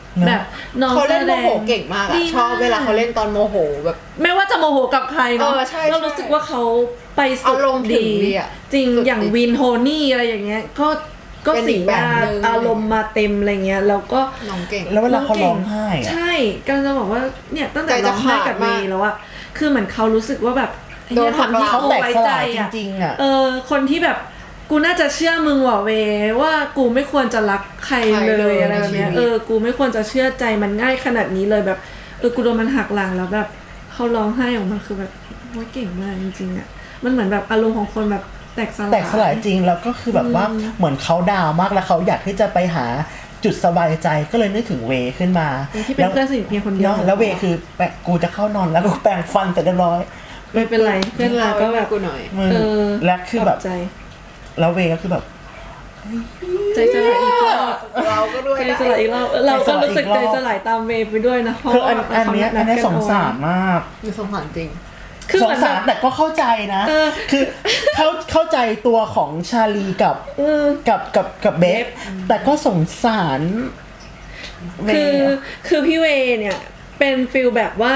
[SPEAKER 2] แบบน้อง
[SPEAKER 3] เขา
[SPEAKER 2] แส
[SPEAKER 3] เล่น
[SPEAKER 2] ด
[SPEAKER 3] โม
[SPEAKER 2] ง
[SPEAKER 3] โหเก่งมากอะ
[SPEAKER 2] ดี
[SPEAKER 3] ชอบเวลาเขาเล่นตอนโมโหแบบ
[SPEAKER 2] ไม่ว่าจะโมโหกับใครเนาะ
[SPEAKER 3] เออใช่
[SPEAKER 2] เรารู้สึกว่าเขาไปสุด
[SPEAKER 3] อารมณ์ถึงดีอะ
[SPEAKER 2] จริง
[SPEAKER 3] สุด
[SPEAKER 2] อย่าง
[SPEAKER 3] ดี
[SPEAKER 2] วินโทนี่อะไรอย่างเงี้ยก็ก็
[SPEAKER 3] เป็น
[SPEAKER 2] สี
[SPEAKER 3] อีก
[SPEAKER 2] ห
[SPEAKER 3] แบบ
[SPEAKER 2] น้า
[SPEAKER 3] หนึ่ง
[SPEAKER 2] อารมณ์มาเต็มอะไรเงี้ยแล้วก็
[SPEAKER 3] น้องเก่ง
[SPEAKER 1] แล้วเวลาเขาร้องไห้อะ
[SPEAKER 2] ใช่กำลังจะบอกว่าเนี่ยตั้งแต่
[SPEAKER 3] ใจจะ
[SPEAKER 2] ร้องไห้กับ
[SPEAKER 3] ขาด
[SPEAKER 2] เม
[SPEAKER 3] มาก
[SPEAKER 2] ย์แล้วอะคือเหมือนเขารู้สึกว่าแบบไอ้เนี่ย
[SPEAKER 3] โดนหักหลัง
[SPEAKER 2] คนที่
[SPEAKER 1] เขา
[SPEAKER 2] กู
[SPEAKER 1] แตก
[SPEAKER 2] ไว้
[SPEAKER 1] ส
[SPEAKER 2] ใจ
[SPEAKER 1] ลายจ
[SPEAKER 2] อะ
[SPEAKER 1] ริงๆอ่ะ
[SPEAKER 2] เออคนที่แบบกูน่าจะเชื่อมึงว่ะเวว่ากูไม่ควรจะรักใคร
[SPEAKER 3] ใคร
[SPEAKER 2] เล
[SPEAKER 3] เลย ย
[SPEAKER 2] อะไรแบบเนี้ย
[SPEAKER 3] ในชีวิต
[SPEAKER 2] เออกูไม่ควรจะเชื่อใจมันง่ายขนาดนี้เลยแบบเออกูโดนมันหักหลังแล้วแบบเขาร้องไห้ออกมาคือแบบโอ้ยเก่งมากจริงๆอ่ะมันเหมือนแบบอารมณ์ของคนแบบแตกสลาย
[SPEAKER 1] แตกสลายจริงแล้วก็คือแบบว่าเหมือนเขาดาวน์มากแล้วเขาอยากที่จะไปหาจุดสบายใจก็เลยนึกถึงเวขึ้นมา
[SPEAKER 2] ที่เป็นเพื่อนสนิทเพียงคนเดียว
[SPEAKER 1] เนาะแล้วเวคือแปะกูจะเข้านอนแล้วกูแปรงฟันเสร็จเรียบร้อย
[SPEAKER 2] ไม่เป็นไรเพื่อนเราก็แบบ
[SPEAKER 3] กูหน่อย
[SPEAKER 1] มึง
[SPEAKER 2] เออ
[SPEAKER 1] และคือแบบ
[SPEAKER 2] ขบใจ
[SPEAKER 1] แล้วเวก็คือแบบ
[SPEAKER 2] ใจสลายอีกรอบ
[SPEAKER 3] เราก็ด้วย
[SPEAKER 2] ใจ
[SPEAKER 3] ได้
[SPEAKER 2] สลายอีกรอบเออเราก็รู้สึก
[SPEAKER 1] ใจ
[SPEAKER 2] ใจ
[SPEAKER 1] ส
[SPEAKER 2] ส
[SPEAKER 1] ลา
[SPEAKER 2] ลาย ย
[SPEAKER 1] อีกรอบ
[SPEAKER 2] ตามเวย์ไปด้วยนะเพราะ
[SPEAKER 1] คืออัน
[SPEAKER 2] ว่า
[SPEAKER 1] อันเนี้ยอันเนี้ยสงสารมาก
[SPEAKER 3] มีสงสารจริง
[SPEAKER 2] คือ
[SPEAKER 1] ส
[SPEAKER 2] เห
[SPEAKER 1] ง
[SPEAKER 2] มือน
[SPEAKER 1] สา
[SPEAKER 2] แบ
[SPEAKER 1] ร
[SPEAKER 2] บ
[SPEAKER 1] แต่ก็เข้าใจนะ
[SPEAKER 2] เออ
[SPEAKER 1] คือเข้าเข้าใจตัวของชาลีกับ
[SPEAKER 2] เออ
[SPEAKER 1] กับกับกับเบฟแต่ก็สงสารเว
[SPEAKER 2] คือคือพี่เวย์เนี่ยเป็นฟิลแบบว่าร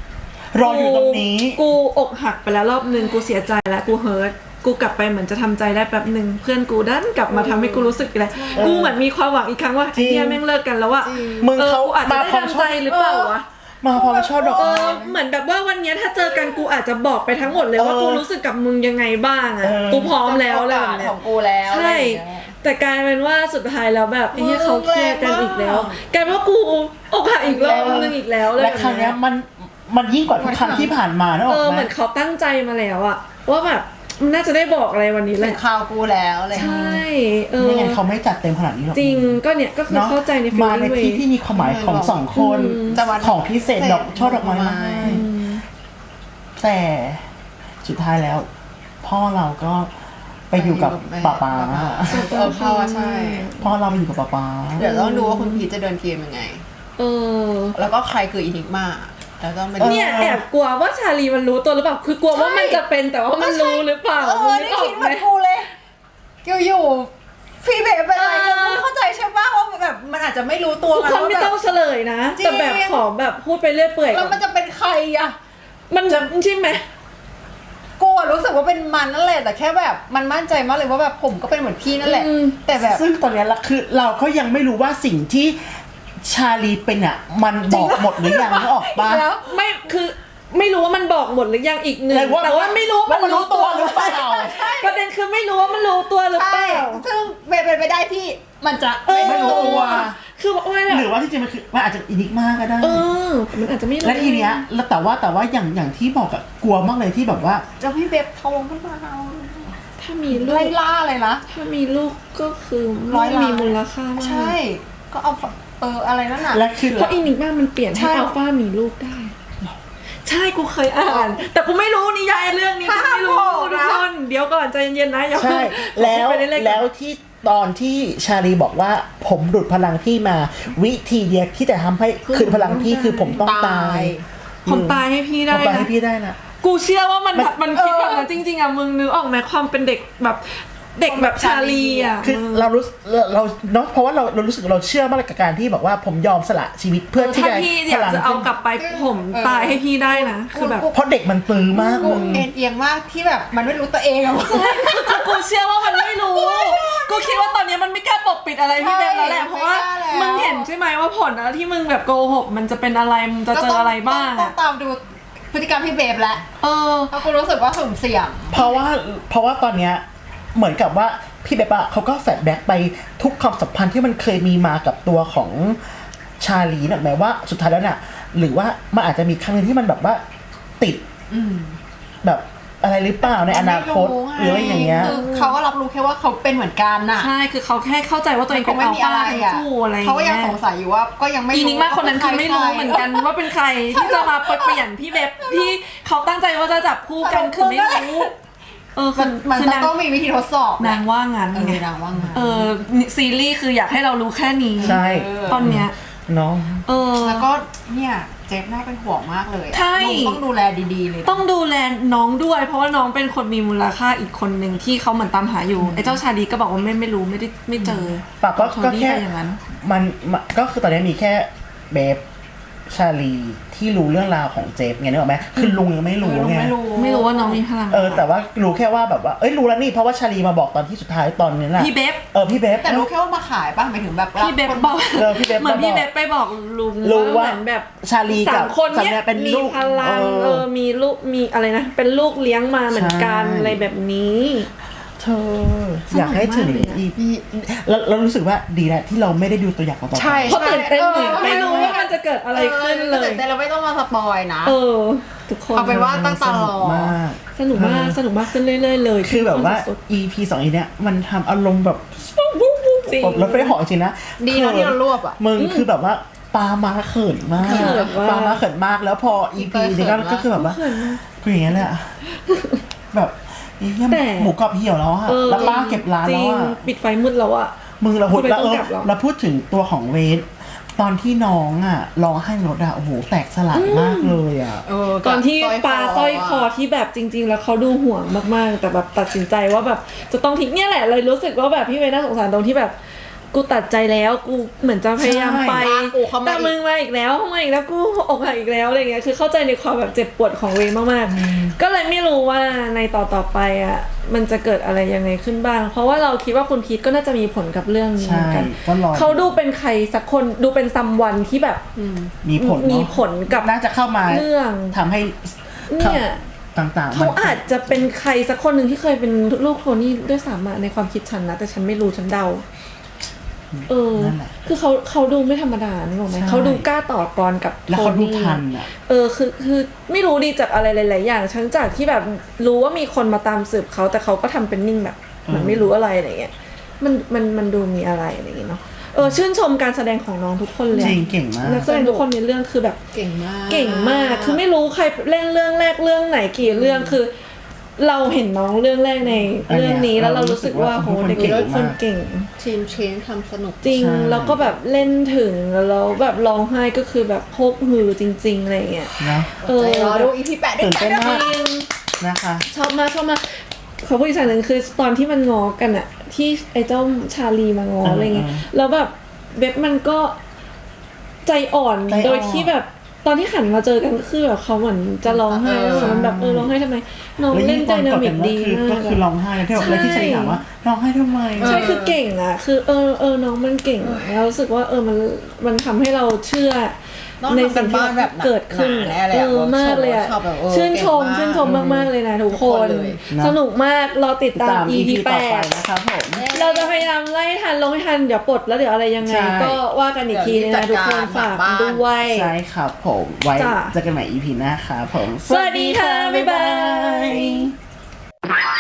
[SPEAKER 1] ออยู่ตรงนี้
[SPEAKER 2] กูอกหักไปแล้วรอบนึงกูเสียใจแล้วกูเฮิร์ตกูกลับไปเหมือนจะทำใจได้แป๊บหนึ่งเพื่อนกูดันกลับมาทำให้กูรู้สึกอะไรกูเหมือนมีความหวังอีกครั้งว่า
[SPEAKER 1] จริง
[SPEAKER 2] ไอ้เหี้ยแม่งเลิกกันแล้วอะ
[SPEAKER 1] มึง
[SPEAKER 2] เออ
[SPEAKER 1] เขา
[SPEAKER 2] กูอาจจะ
[SPEAKER 1] มา
[SPEAKER 2] ได้
[SPEAKER 1] พร้อม
[SPEAKER 2] ทำใจหรือเปล่าวะ
[SPEAKER 1] มาพร้อมช่อดอก
[SPEAKER 2] เอ
[SPEAKER 1] ไม้
[SPEAKER 2] อเหมือนแบบว่าวันเนี้ยถ้าเจอกันกูอาจจะบอกไปทั้งหมดเลยว่า
[SPEAKER 1] เออ
[SPEAKER 2] กูรู้สึกกับมึงยังไงบ้างอะ
[SPEAKER 1] เออ
[SPEAKER 2] กูพร้อมแล้วอะไรแบบ
[SPEAKER 3] ข
[SPEAKER 2] เนี้ย
[SPEAKER 3] องกูแล้ว
[SPEAKER 2] ใช่
[SPEAKER 3] อะไรอย่างเงี้ย
[SPEAKER 2] แต่กลายเป็นว่าสุดท้ายแล้วแบบไอ้เหี้ยเขาเคลียร์กันอีกแล้ว
[SPEAKER 3] แรงมาก
[SPEAKER 2] กลายเป็นว่ากูอกหักอีกรอบนึงอีกแล้วเลย
[SPEAKER 1] และครั้งเนี้ยมันมันยิ่งกว่าทุกครั้งที่ผ่านมานะบ
[SPEAKER 2] เอ
[SPEAKER 1] อก
[SPEAKER 2] อ
[SPEAKER 1] ไห
[SPEAKER 2] เห
[SPEAKER 1] ม
[SPEAKER 2] มือนเขาตั้งใจมาแล้วอะว่าแบบมันน่าจะได้บอกอะไรวันนี้แห
[SPEAKER 3] เป็
[SPEAKER 2] ละ
[SPEAKER 3] นข่าวกูแล้วอะไรอย่าง
[SPEAKER 2] ใช
[SPEAKER 3] เงี้ย่
[SPEAKER 2] เออ
[SPEAKER 1] ไม่งั้นเขาไม่จัดเต็มขนาดนี้หรอก
[SPEAKER 2] จริงก็เนี่ยก็คือ
[SPEAKER 1] เนาะ
[SPEAKER 2] เข้าใจในฟีล
[SPEAKER 1] มาใน
[SPEAKER 2] ลิ่งเว
[SPEAKER 1] ที่ที่มีความหมายของสองคน
[SPEAKER 3] แต่วัน
[SPEAKER 1] ของพิเศษดอกช่อดอกไม้มาให้แต่สุดท้ายแล้ว พ่อเราก็ไปอยู่กับป้าป้า
[SPEAKER 3] เออพ่อใช่
[SPEAKER 1] พ่อเราไปอยู่กับป้าป้า
[SPEAKER 3] เดี๋ยวต้องดูว่าคุณพีชจะเดินเกมยังไง
[SPEAKER 2] เออ
[SPEAKER 3] แล้วก็ใครคืออินิกมาแล้วต้องเป็น
[SPEAKER 2] เนี่ยแอบกลัวว่าชาลีมันรู้ตัวหรือเปล่าคือกลัวว่ามันจะเป็นแต่ว่ามันรู้หรือเปล่า
[SPEAKER 3] เอ
[SPEAKER 2] มึ
[SPEAKER 3] อง
[SPEAKER 2] นึ
[SPEAKER 3] นี่
[SPEAKER 2] กออ
[SPEAKER 3] คิด
[SPEAKER 2] ก
[SPEAKER 3] เห
[SPEAKER 2] ไห
[SPEAKER 3] มื
[SPEAKER 2] ม
[SPEAKER 3] อนกูเลยอยู่ๆพี่เบ๋เป็นอะไร
[SPEAKER 2] เออ
[SPEAKER 3] มึงเข้าใจใช่ป่ะว่าแบบมันอาจจะไม่รู้ตัว
[SPEAKER 2] ทุกคนไม่ต้อง
[SPEAKER 3] ว่า
[SPEAKER 2] เฉลยนะ
[SPEAKER 3] จริง
[SPEAKER 2] แต่แบบขอแบบพูดไปเรื่อยเปื่อย
[SPEAKER 3] แบบแล้วมันจะเป็นใครอะ
[SPEAKER 2] มันจะใช่ไหม
[SPEAKER 3] กูอะรู้สึกว่าเป็นมันนั่นแหละแต่แค่แบบมันมั่นใจมากเลยว่าแบบผมก็เป็นเหมือนพี่นั่นแหละ
[SPEAKER 2] อืม
[SPEAKER 3] แต่แบบ
[SPEAKER 1] ซึ่งตอนเนี้ยละคือเราก็ยังไม่รู้ว่าสิ่งที่ชาลีเป็นอ่ะ มันบอกหมดหรือยังนึกออกปะ
[SPEAKER 3] แล้ว
[SPEAKER 2] ไม่คือไม่รู้ว่ามันบอกหมดหรือยังอีกหนึ่ง
[SPEAKER 1] แต่ว่า
[SPEAKER 2] แต่ว่าไม่รู้ว่ามัน
[SPEAKER 1] ว่ามันรู้
[SPEAKER 2] รู้ตัว
[SPEAKER 1] ตัวหรือเปล่า
[SPEAKER 2] ประเด็นคือไม่รู้ว่ามันรู้ตัวหรือเป
[SPEAKER 3] ใช่
[SPEAKER 2] ล่า
[SPEAKER 3] ซึ่งเป็นไปได้ที่มันจะ
[SPEAKER 2] เออ
[SPEAKER 1] ไม่รู้ตัว
[SPEAKER 2] คือว่าแบ
[SPEAKER 1] หรื
[SPEAKER 2] บ
[SPEAKER 1] อว่าที่จริงมันคือมันอาจจะอินิกมากก็ได้
[SPEAKER 2] เออมันอาจจะไม่รู้
[SPEAKER 1] และทีเนี้ยแล้วแต่ว่าแต่ว่าอย่างอย่างที่บอกอะกลัวมากเลยที่แบบว่า
[SPEAKER 3] จะพี่เบบทองขึ้นมาเอา
[SPEAKER 2] ถ้ามีลู
[SPEAKER 3] ไล่
[SPEAKER 2] ก
[SPEAKER 3] ล่าเลยนะ
[SPEAKER 2] ถ้ามีลูกก็คือ
[SPEAKER 3] ร้อยล้าน
[SPEAKER 2] มีมูลค่ามาก
[SPEAKER 3] ใช่ ก็เอาเอออะไรนั่นน่ะ
[SPEAKER 1] และคือ
[SPEAKER 2] เพราะอินิกมากมันเปลี่ยน
[SPEAKER 3] ใช่
[SPEAKER 2] ให้อัลฟามีลูกได้ ใช่กูเคยอ่าน แต่กูไม่รู้นิยายเรื่องนี้กูไม่รู้ทุกคนเดี๋ยวก่อนใจเย็นๆนะอย่า
[SPEAKER 1] ใช่
[SPEAKER 2] เพิ่ง
[SPEAKER 1] แล้ว
[SPEAKER 2] ขอพูดไปเรื่อยๆก่อน
[SPEAKER 1] แล้วที่ตอนที่ชาลีบอกว่าผมดูดพลังพี่มา วิธีเดียวที่จะทำให้คืนพลังพี่คือผมต้องตาย
[SPEAKER 2] ผมตายให้พี่
[SPEAKER 1] ผ
[SPEAKER 2] ได้
[SPEAKER 1] มตาย
[SPEAKER 2] นะ
[SPEAKER 1] ให้พี่ได้นะ
[SPEAKER 2] กูเชื่อว่ามัน
[SPEAKER 1] มัน
[SPEAKER 2] มันคิดแบบนั้นจริงๆอ่ะมึงนึกออกไหมความเป็นเด็กแบบเด็กแบบชาลีอ่ะ
[SPEAKER 1] คือ
[SPEAKER 2] มึง
[SPEAKER 1] เรารู้เราเราเนาะเพราะว่าเราเรารู้สึกเราเชื่อมากกับการที่บอกว่าผมยอมสละชีวิตเพื่อที่
[SPEAKER 2] ถ้า
[SPEAKER 1] จะ
[SPEAKER 2] พี่อยากจะเอากลับไปผมตายให้พี่ได้นะคือแบบ
[SPEAKER 1] เพราะเด็กมันตื้อมาก
[SPEAKER 3] กู
[SPEAKER 1] มึง
[SPEAKER 3] เอ็นเอียงมากที่แบบมันไม่รู้ตัวเองอะ
[SPEAKER 2] คือกูเชื่อว่ามันไม่รู้ กูคิดว่าตอนนี้มันไม่กล้าปกปิดอะไรพี่เบนแล้วแหละเพราะว่ามึงเห็นใช่ไหมว่าผลนะที่มึงแบบโกหกมันจะเป็นอะไรมึงจะเจออะไรบ้าง
[SPEAKER 3] ต้อ
[SPEAKER 2] อะ
[SPEAKER 3] งตามดูพฤติกรรมพี่เบบแล้ว
[SPEAKER 2] เออ
[SPEAKER 3] เพราะกูรู้สึกว่าสุ่มเสี่ยง
[SPEAKER 1] เพราะว่าเพราะว่าตอนเนี้ยเหมือนกับว่าพี่เบบอะเขาก็แฟลชแบ็กไปทุกความสัมพันธ์ที่มันเคยมีมากับตัวของชาลีน่ะหมายว่าสุดท้ายแล้วน่ะหรือว่ามันอาจจะมีครั้งหนึงที่มันแบบว่าติดแบบอะไรหรือเปล่าในอนาคตหรืออะไรอย่างเงี้ย
[SPEAKER 3] คือเขาก็รับรู้แค่ว่าเขาเป็นเหมือนกันน่ะ
[SPEAKER 2] ใช่คือเขาแค่เข้าใจว่าตัวเองเป็นอัลฟาทั้งคู่อะไรอย่าง
[SPEAKER 3] เขาก็ยัง
[SPEAKER 2] เงี้ย
[SPEAKER 3] สงสัยอยู่ว่าก็ยังไม่
[SPEAKER 2] อีนิกมากคนนั้นคือไม่รู้เหมือนกันว่าเป็นใครที่จะมาเปลี่ยนพี่เบบที่เขาตั้งใจว่าจะจับคู่กันคือไม่รู้เออคื
[SPEAKER 3] มั
[SPEAKER 2] อน
[SPEAKER 3] มัน
[SPEAKER 2] คือ
[SPEAKER 3] จะ
[SPEAKER 2] นาง
[SPEAKER 3] ต้องมีวิธีทดสอบ
[SPEAKER 2] นางว่างั้น
[SPEAKER 3] เอ
[SPEAKER 2] ไง
[SPEAKER 3] อนางว่างั้น
[SPEAKER 2] เออซีรีส์คืออยากให้เรารู้แค่นี้
[SPEAKER 1] ใช่
[SPEAKER 2] ตอนเนี้ย
[SPEAKER 1] เนาะ
[SPEAKER 2] เออ
[SPEAKER 3] แล้วก็เนี่ยเจฟน่าเป็นห่วงมากเลยอะ
[SPEAKER 2] ใช่
[SPEAKER 3] ลุงต้องดูแลดีๆเลย
[SPEAKER 2] ต้องดูแลน้องด้วย เพราะว่าน้องเป็นคนมีมูลค่าอีกคนหนึ่งที่เขาเหมือนตามหาอยู่ไอ้เจ้าชาลีก็บอกว่าไม่ไม่รู้ไม่ได้ไม่เจอ
[SPEAKER 1] ปากก็
[SPEAKER 2] เขา
[SPEAKER 1] ก็
[SPEAKER 2] รีบ
[SPEAKER 1] แค่
[SPEAKER 2] ไปอย่างนั้น
[SPEAKER 1] มันมันก็คือตอนนี้มีแค่เบฟชาลีที่รู้เรื่องราวของเจฟไงนึกออกไหมคือลุงยังไม่รู้ไง
[SPEAKER 3] ไม่รู้
[SPEAKER 2] ไม่รู้ว่าน้องมีพลัง
[SPEAKER 1] เออแต่ว่ารู้แค่ว่าแบบว่าเอ้ยรู้แล้วนี่เพราะว่าชาลีมาบอกตอนที่สุดท้ายตอนนี้แหละ
[SPEAKER 2] พี่เบฟ
[SPEAKER 1] เออพี่เบฟ
[SPEAKER 3] แต่รู้แค่ว่ามาขายป่ะหมายถึงแบบ
[SPEAKER 2] พี่เบฟบอก
[SPEAKER 1] เออพี่เบฟ
[SPEAKER 2] เหมือนพี่เบฟไปบอกลุง
[SPEAKER 1] รู้ว่า
[SPEAKER 2] เหมือนแบบ
[SPEAKER 1] ชาลีกับ
[SPEAKER 2] สามคน
[SPEAKER 1] สา
[SPEAKER 2] เนี้
[SPEAKER 1] มี
[SPEAKER 2] ย
[SPEAKER 1] เป็น
[SPEAKER 2] มี
[SPEAKER 1] ลูก
[SPEAKER 2] พลัง
[SPEAKER 1] เออ
[SPEAKER 2] เออมีลูกมีอะไรนะเป็นลูกเลี้ยงมาเหมือนกัน
[SPEAKER 1] ใช่
[SPEAKER 2] อะไรแบบนี้
[SPEAKER 1] เธออยากให้ถึง
[SPEAKER 2] สนุกมากเลยอะ
[SPEAKER 1] อีพีแล้วเรารู้สึกว่าดีนะที่เราไม่ได้ดูตัวอย่างของต่อไป
[SPEAKER 3] ใช่
[SPEAKER 2] เพราะตื่นเต้นเหมือน
[SPEAKER 3] ออ
[SPEAKER 2] ไม่รู้ว่ามันจะเกิดอะไรขึ้นเลย
[SPEAKER 3] ตื่นเต้นเราไม่ต้องมาสปอยนะ
[SPEAKER 2] เออทุกคน
[SPEAKER 3] เอาเป็นว่าตั้งตารอ
[SPEAKER 1] สนุกมาก
[SPEAKER 2] สนุกมากสนุกมากขึ้นเรื่อยๆเลย
[SPEAKER 1] คือแบบว่า
[SPEAKER 2] สุด
[SPEAKER 1] อี พี สองอีเนี้ยมันทำอารมณ์แบบ
[SPEAKER 2] ๆจริง
[SPEAKER 1] รถไฟเหาะจริงนะ
[SPEAKER 3] ดีนะที่เรารวบอะ
[SPEAKER 1] มึงคือแบบว่าปามาเขินมาก
[SPEAKER 2] เขินมาก
[SPEAKER 1] ปามาเขินมากแล้วพอ อี พี นี้ก็ก็คือแบบว่ากูอย่างเงี้ยแหละแบบไอ้เหี้ย
[SPEAKER 2] แต่
[SPEAKER 1] หมูกรอบเหี่ยวแล้วอะ
[SPEAKER 2] เออ
[SPEAKER 1] แล้วป้าเก็บร้าน
[SPEAKER 2] จ
[SPEAKER 1] แล้
[SPEAKER 2] ริ
[SPEAKER 1] ว
[SPEAKER 2] ง
[SPEAKER 1] อะ
[SPEAKER 2] ปิดไฟมืดแล้วอะ
[SPEAKER 1] มึงเราพูด
[SPEAKER 2] ทำไม
[SPEAKER 1] แล้ว
[SPEAKER 2] ต้
[SPEAKER 1] เอ
[SPEAKER 2] อง
[SPEAKER 1] อก
[SPEAKER 2] ลับเหรอ
[SPEAKER 1] เราพูดถึงตัวของเวทตอนที่น้องอ่ะร้องไห้รถอ่ะโอ้โหแตกสลายมากเลยอ่ะ
[SPEAKER 3] เออ
[SPEAKER 2] ตอนที่ปลาสร้อยคอ
[SPEAKER 3] อะ
[SPEAKER 2] ที่แบบจริง ๆ แล้วเขาดูห่วงมากๆ แต่แบบตัดสินใจว่าแบบจะต้องทิ้งเนี่ยแหละเลยรู้สึกว่าแบบพี่เวย์น่าสงสารตรงที่แบบกูตัดใจแล้วกูเหมือนจะพยายามไป
[SPEAKER 3] ใช่กูเข้ามาอีก
[SPEAKER 2] แต่มึงมาอีกแล้วเข้ามาอีกแล้วกูอกหักอีกแล้วอะไรเงี้ยคือเข้าใจในความแบบเจ็บปวดของเวย์มากๆก็เลยไม่รู้ว่าในต่อต่อไปอ่ะมันจะเกิดอะไรยังไงขึ้นบ้าง เพราะว่าเราคิดว่าคุณพีทก็น่าจะมีผลกับเรื่องนี้เหมือนกัน
[SPEAKER 1] ใช่ก็รอ
[SPEAKER 2] เขาดูเป็นใครสักคนดูเป็นซัมวันที่แบบ
[SPEAKER 1] มีผลเนอะ
[SPEAKER 2] มีผลกับ
[SPEAKER 1] น่าจะเข้ามา
[SPEAKER 2] เรื่อง
[SPEAKER 1] ทำให้
[SPEAKER 2] เนี่ย
[SPEAKER 1] ต่างๆ
[SPEAKER 2] เขา
[SPEAKER 1] มัน
[SPEAKER 2] อาจจะเป็นใครสักคนหนึ่งที่เคยเป็นลูกโทนี่ด้วยซ้ำอะในความคิดฉันนะ แต่ฉันไม่รู้ฉันเดา เออ
[SPEAKER 1] นั่นแหละ
[SPEAKER 2] คือเขาเขาดูไม่ธรรมดานึกออกไหม
[SPEAKER 1] ใช่
[SPEAKER 2] เขาดูกล้าต่อกรกับ
[SPEAKER 1] แล้ว
[SPEAKER 2] โท
[SPEAKER 1] เขาดู
[SPEAKER 2] นี่
[SPEAKER 1] ทันอ่ะ
[SPEAKER 2] เออคือคือไม่รู้ดีจากอะไรหลายๆอย่างฉันจากที่แบบรู้ว่ามีคนมาตามสืบเขาแต่เขาก็ทำเป็นนิ่งแบบเหมือนไม่รู้อะไรอะไรเงี้ยมันมันมันดูมีอะไรอะไรอย่างเงี้ยเนาะเออชื่นชมการแสดงของน้องทุกคนเลย
[SPEAKER 1] จริงเก่งมาก
[SPEAKER 2] นักแสดงทุกคนในเรื่องคือแบบ
[SPEAKER 3] เก่งมาก
[SPEAKER 2] เก่งมาก คือไม่รู้ใครเล่นเรื่องแรกเรื่องไหนกี่เรื่อง คือ เราเห็นน้องเรื่องแรกในเรื่องนี้แล้วเรารู้สึกว่าโหเด็กทุกคนเก่ง
[SPEAKER 3] ทีมเชนทำสนุก
[SPEAKER 2] จริง แล้วก็แบบเล่นถึงแล้วแบบร้องไห้ก็คือแบบพกหือจริงๆอะไรเงี้ย
[SPEAKER 1] นะ
[SPEAKER 2] เออ
[SPEAKER 3] รอดูอีพีแปดด้วย
[SPEAKER 1] ตื่น
[SPEAKER 3] กั
[SPEAKER 1] เต้
[SPEAKER 3] น
[SPEAKER 1] น
[SPEAKER 3] นะ
[SPEAKER 1] มาก
[SPEAKER 2] จริง
[SPEAKER 1] นะคะ
[SPEAKER 2] ชอบมากชอบมากขอพูดอีกอย่างหนึ่งคือตอนที่มันงอกันอะที่ไอ้เจ้าชาลีมางออะไรเงี้ยแล้วแบบเบบมันก็ใจอ่อนโดยที่แบบตอนที่หันมาเจอกันก็คือแบบเขาเหมือนจะร้องไห้แล้วมันแบบเออร้องไห้ทำไมน้อง
[SPEAKER 1] แล้ว
[SPEAKER 2] เล่
[SPEAKER 1] ยิ่
[SPEAKER 2] น
[SPEAKER 1] ง
[SPEAKER 2] ได
[SPEAKER 1] ตอน
[SPEAKER 2] นาก
[SPEAKER 1] ด
[SPEAKER 2] มิ
[SPEAKER 1] กั
[SPEAKER 2] ก
[SPEAKER 1] น
[SPEAKER 2] ดี
[SPEAKER 1] ก็คือ
[SPEAKER 2] มา
[SPEAKER 1] ก็
[SPEAKER 2] ก
[SPEAKER 1] คือร้องไห้แล้วที่แบบแล้วที่ชาลีถามว่าร้องไห้ทำไม
[SPEAKER 2] ใช่คือเก่งอ่ะคือเออเออน้องมันเก่งแล้วรู้สึกว่าเออมันมันทำให้เราเชื่อ
[SPEAKER 3] ต้อง
[SPEAKER 2] ใน
[SPEAKER 3] ทำกั
[SPEAKER 2] สิ่
[SPEAKER 3] น
[SPEAKER 2] งที่
[SPEAKER 3] บ้านแบบ
[SPEAKER 2] เกิดขึ้น
[SPEAKER 3] หนาแน่เลย
[SPEAKER 2] เอ
[SPEAKER 3] อะ
[SPEAKER 2] อมากเลยอ่ะ
[SPEAKER 3] ชอบแบบเออ
[SPEAKER 2] ชื่นชม
[SPEAKER 3] เก่งมาก
[SPEAKER 2] ชื่นชมมากๆเลยนะทุก
[SPEAKER 3] ทุก
[SPEAKER 2] ค
[SPEAKER 3] คน
[SPEAKER 2] น
[SPEAKER 3] เลย
[SPEAKER 2] สนุกมากรอติดตาม
[SPEAKER 1] ตาม
[SPEAKER 2] อี
[SPEAKER 1] อี
[SPEAKER 2] พี
[SPEAKER 1] พี
[SPEAKER 2] แป
[SPEAKER 1] ต่อไป
[SPEAKER 2] ด
[SPEAKER 1] นะครับผม
[SPEAKER 2] เราจะพยายามไล่ทันลงให้ทันเดี๋ยวปลดแล้วเดี๋ยวอะไรยังไง
[SPEAKER 1] ใช่
[SPEAKER 2] ก็ว่ากันอีกทีนึงนะทุกคนฝากด้วย
[SPEAKER 1] ใช่ครับผมไว้
[SPEAKER 2] จ้ะ
[SPEAKER 1] เจอกันใหม่ อี พี หน้าครับผม
[SPEAKER 2] สวัสดีค่ะบ๊ายบาย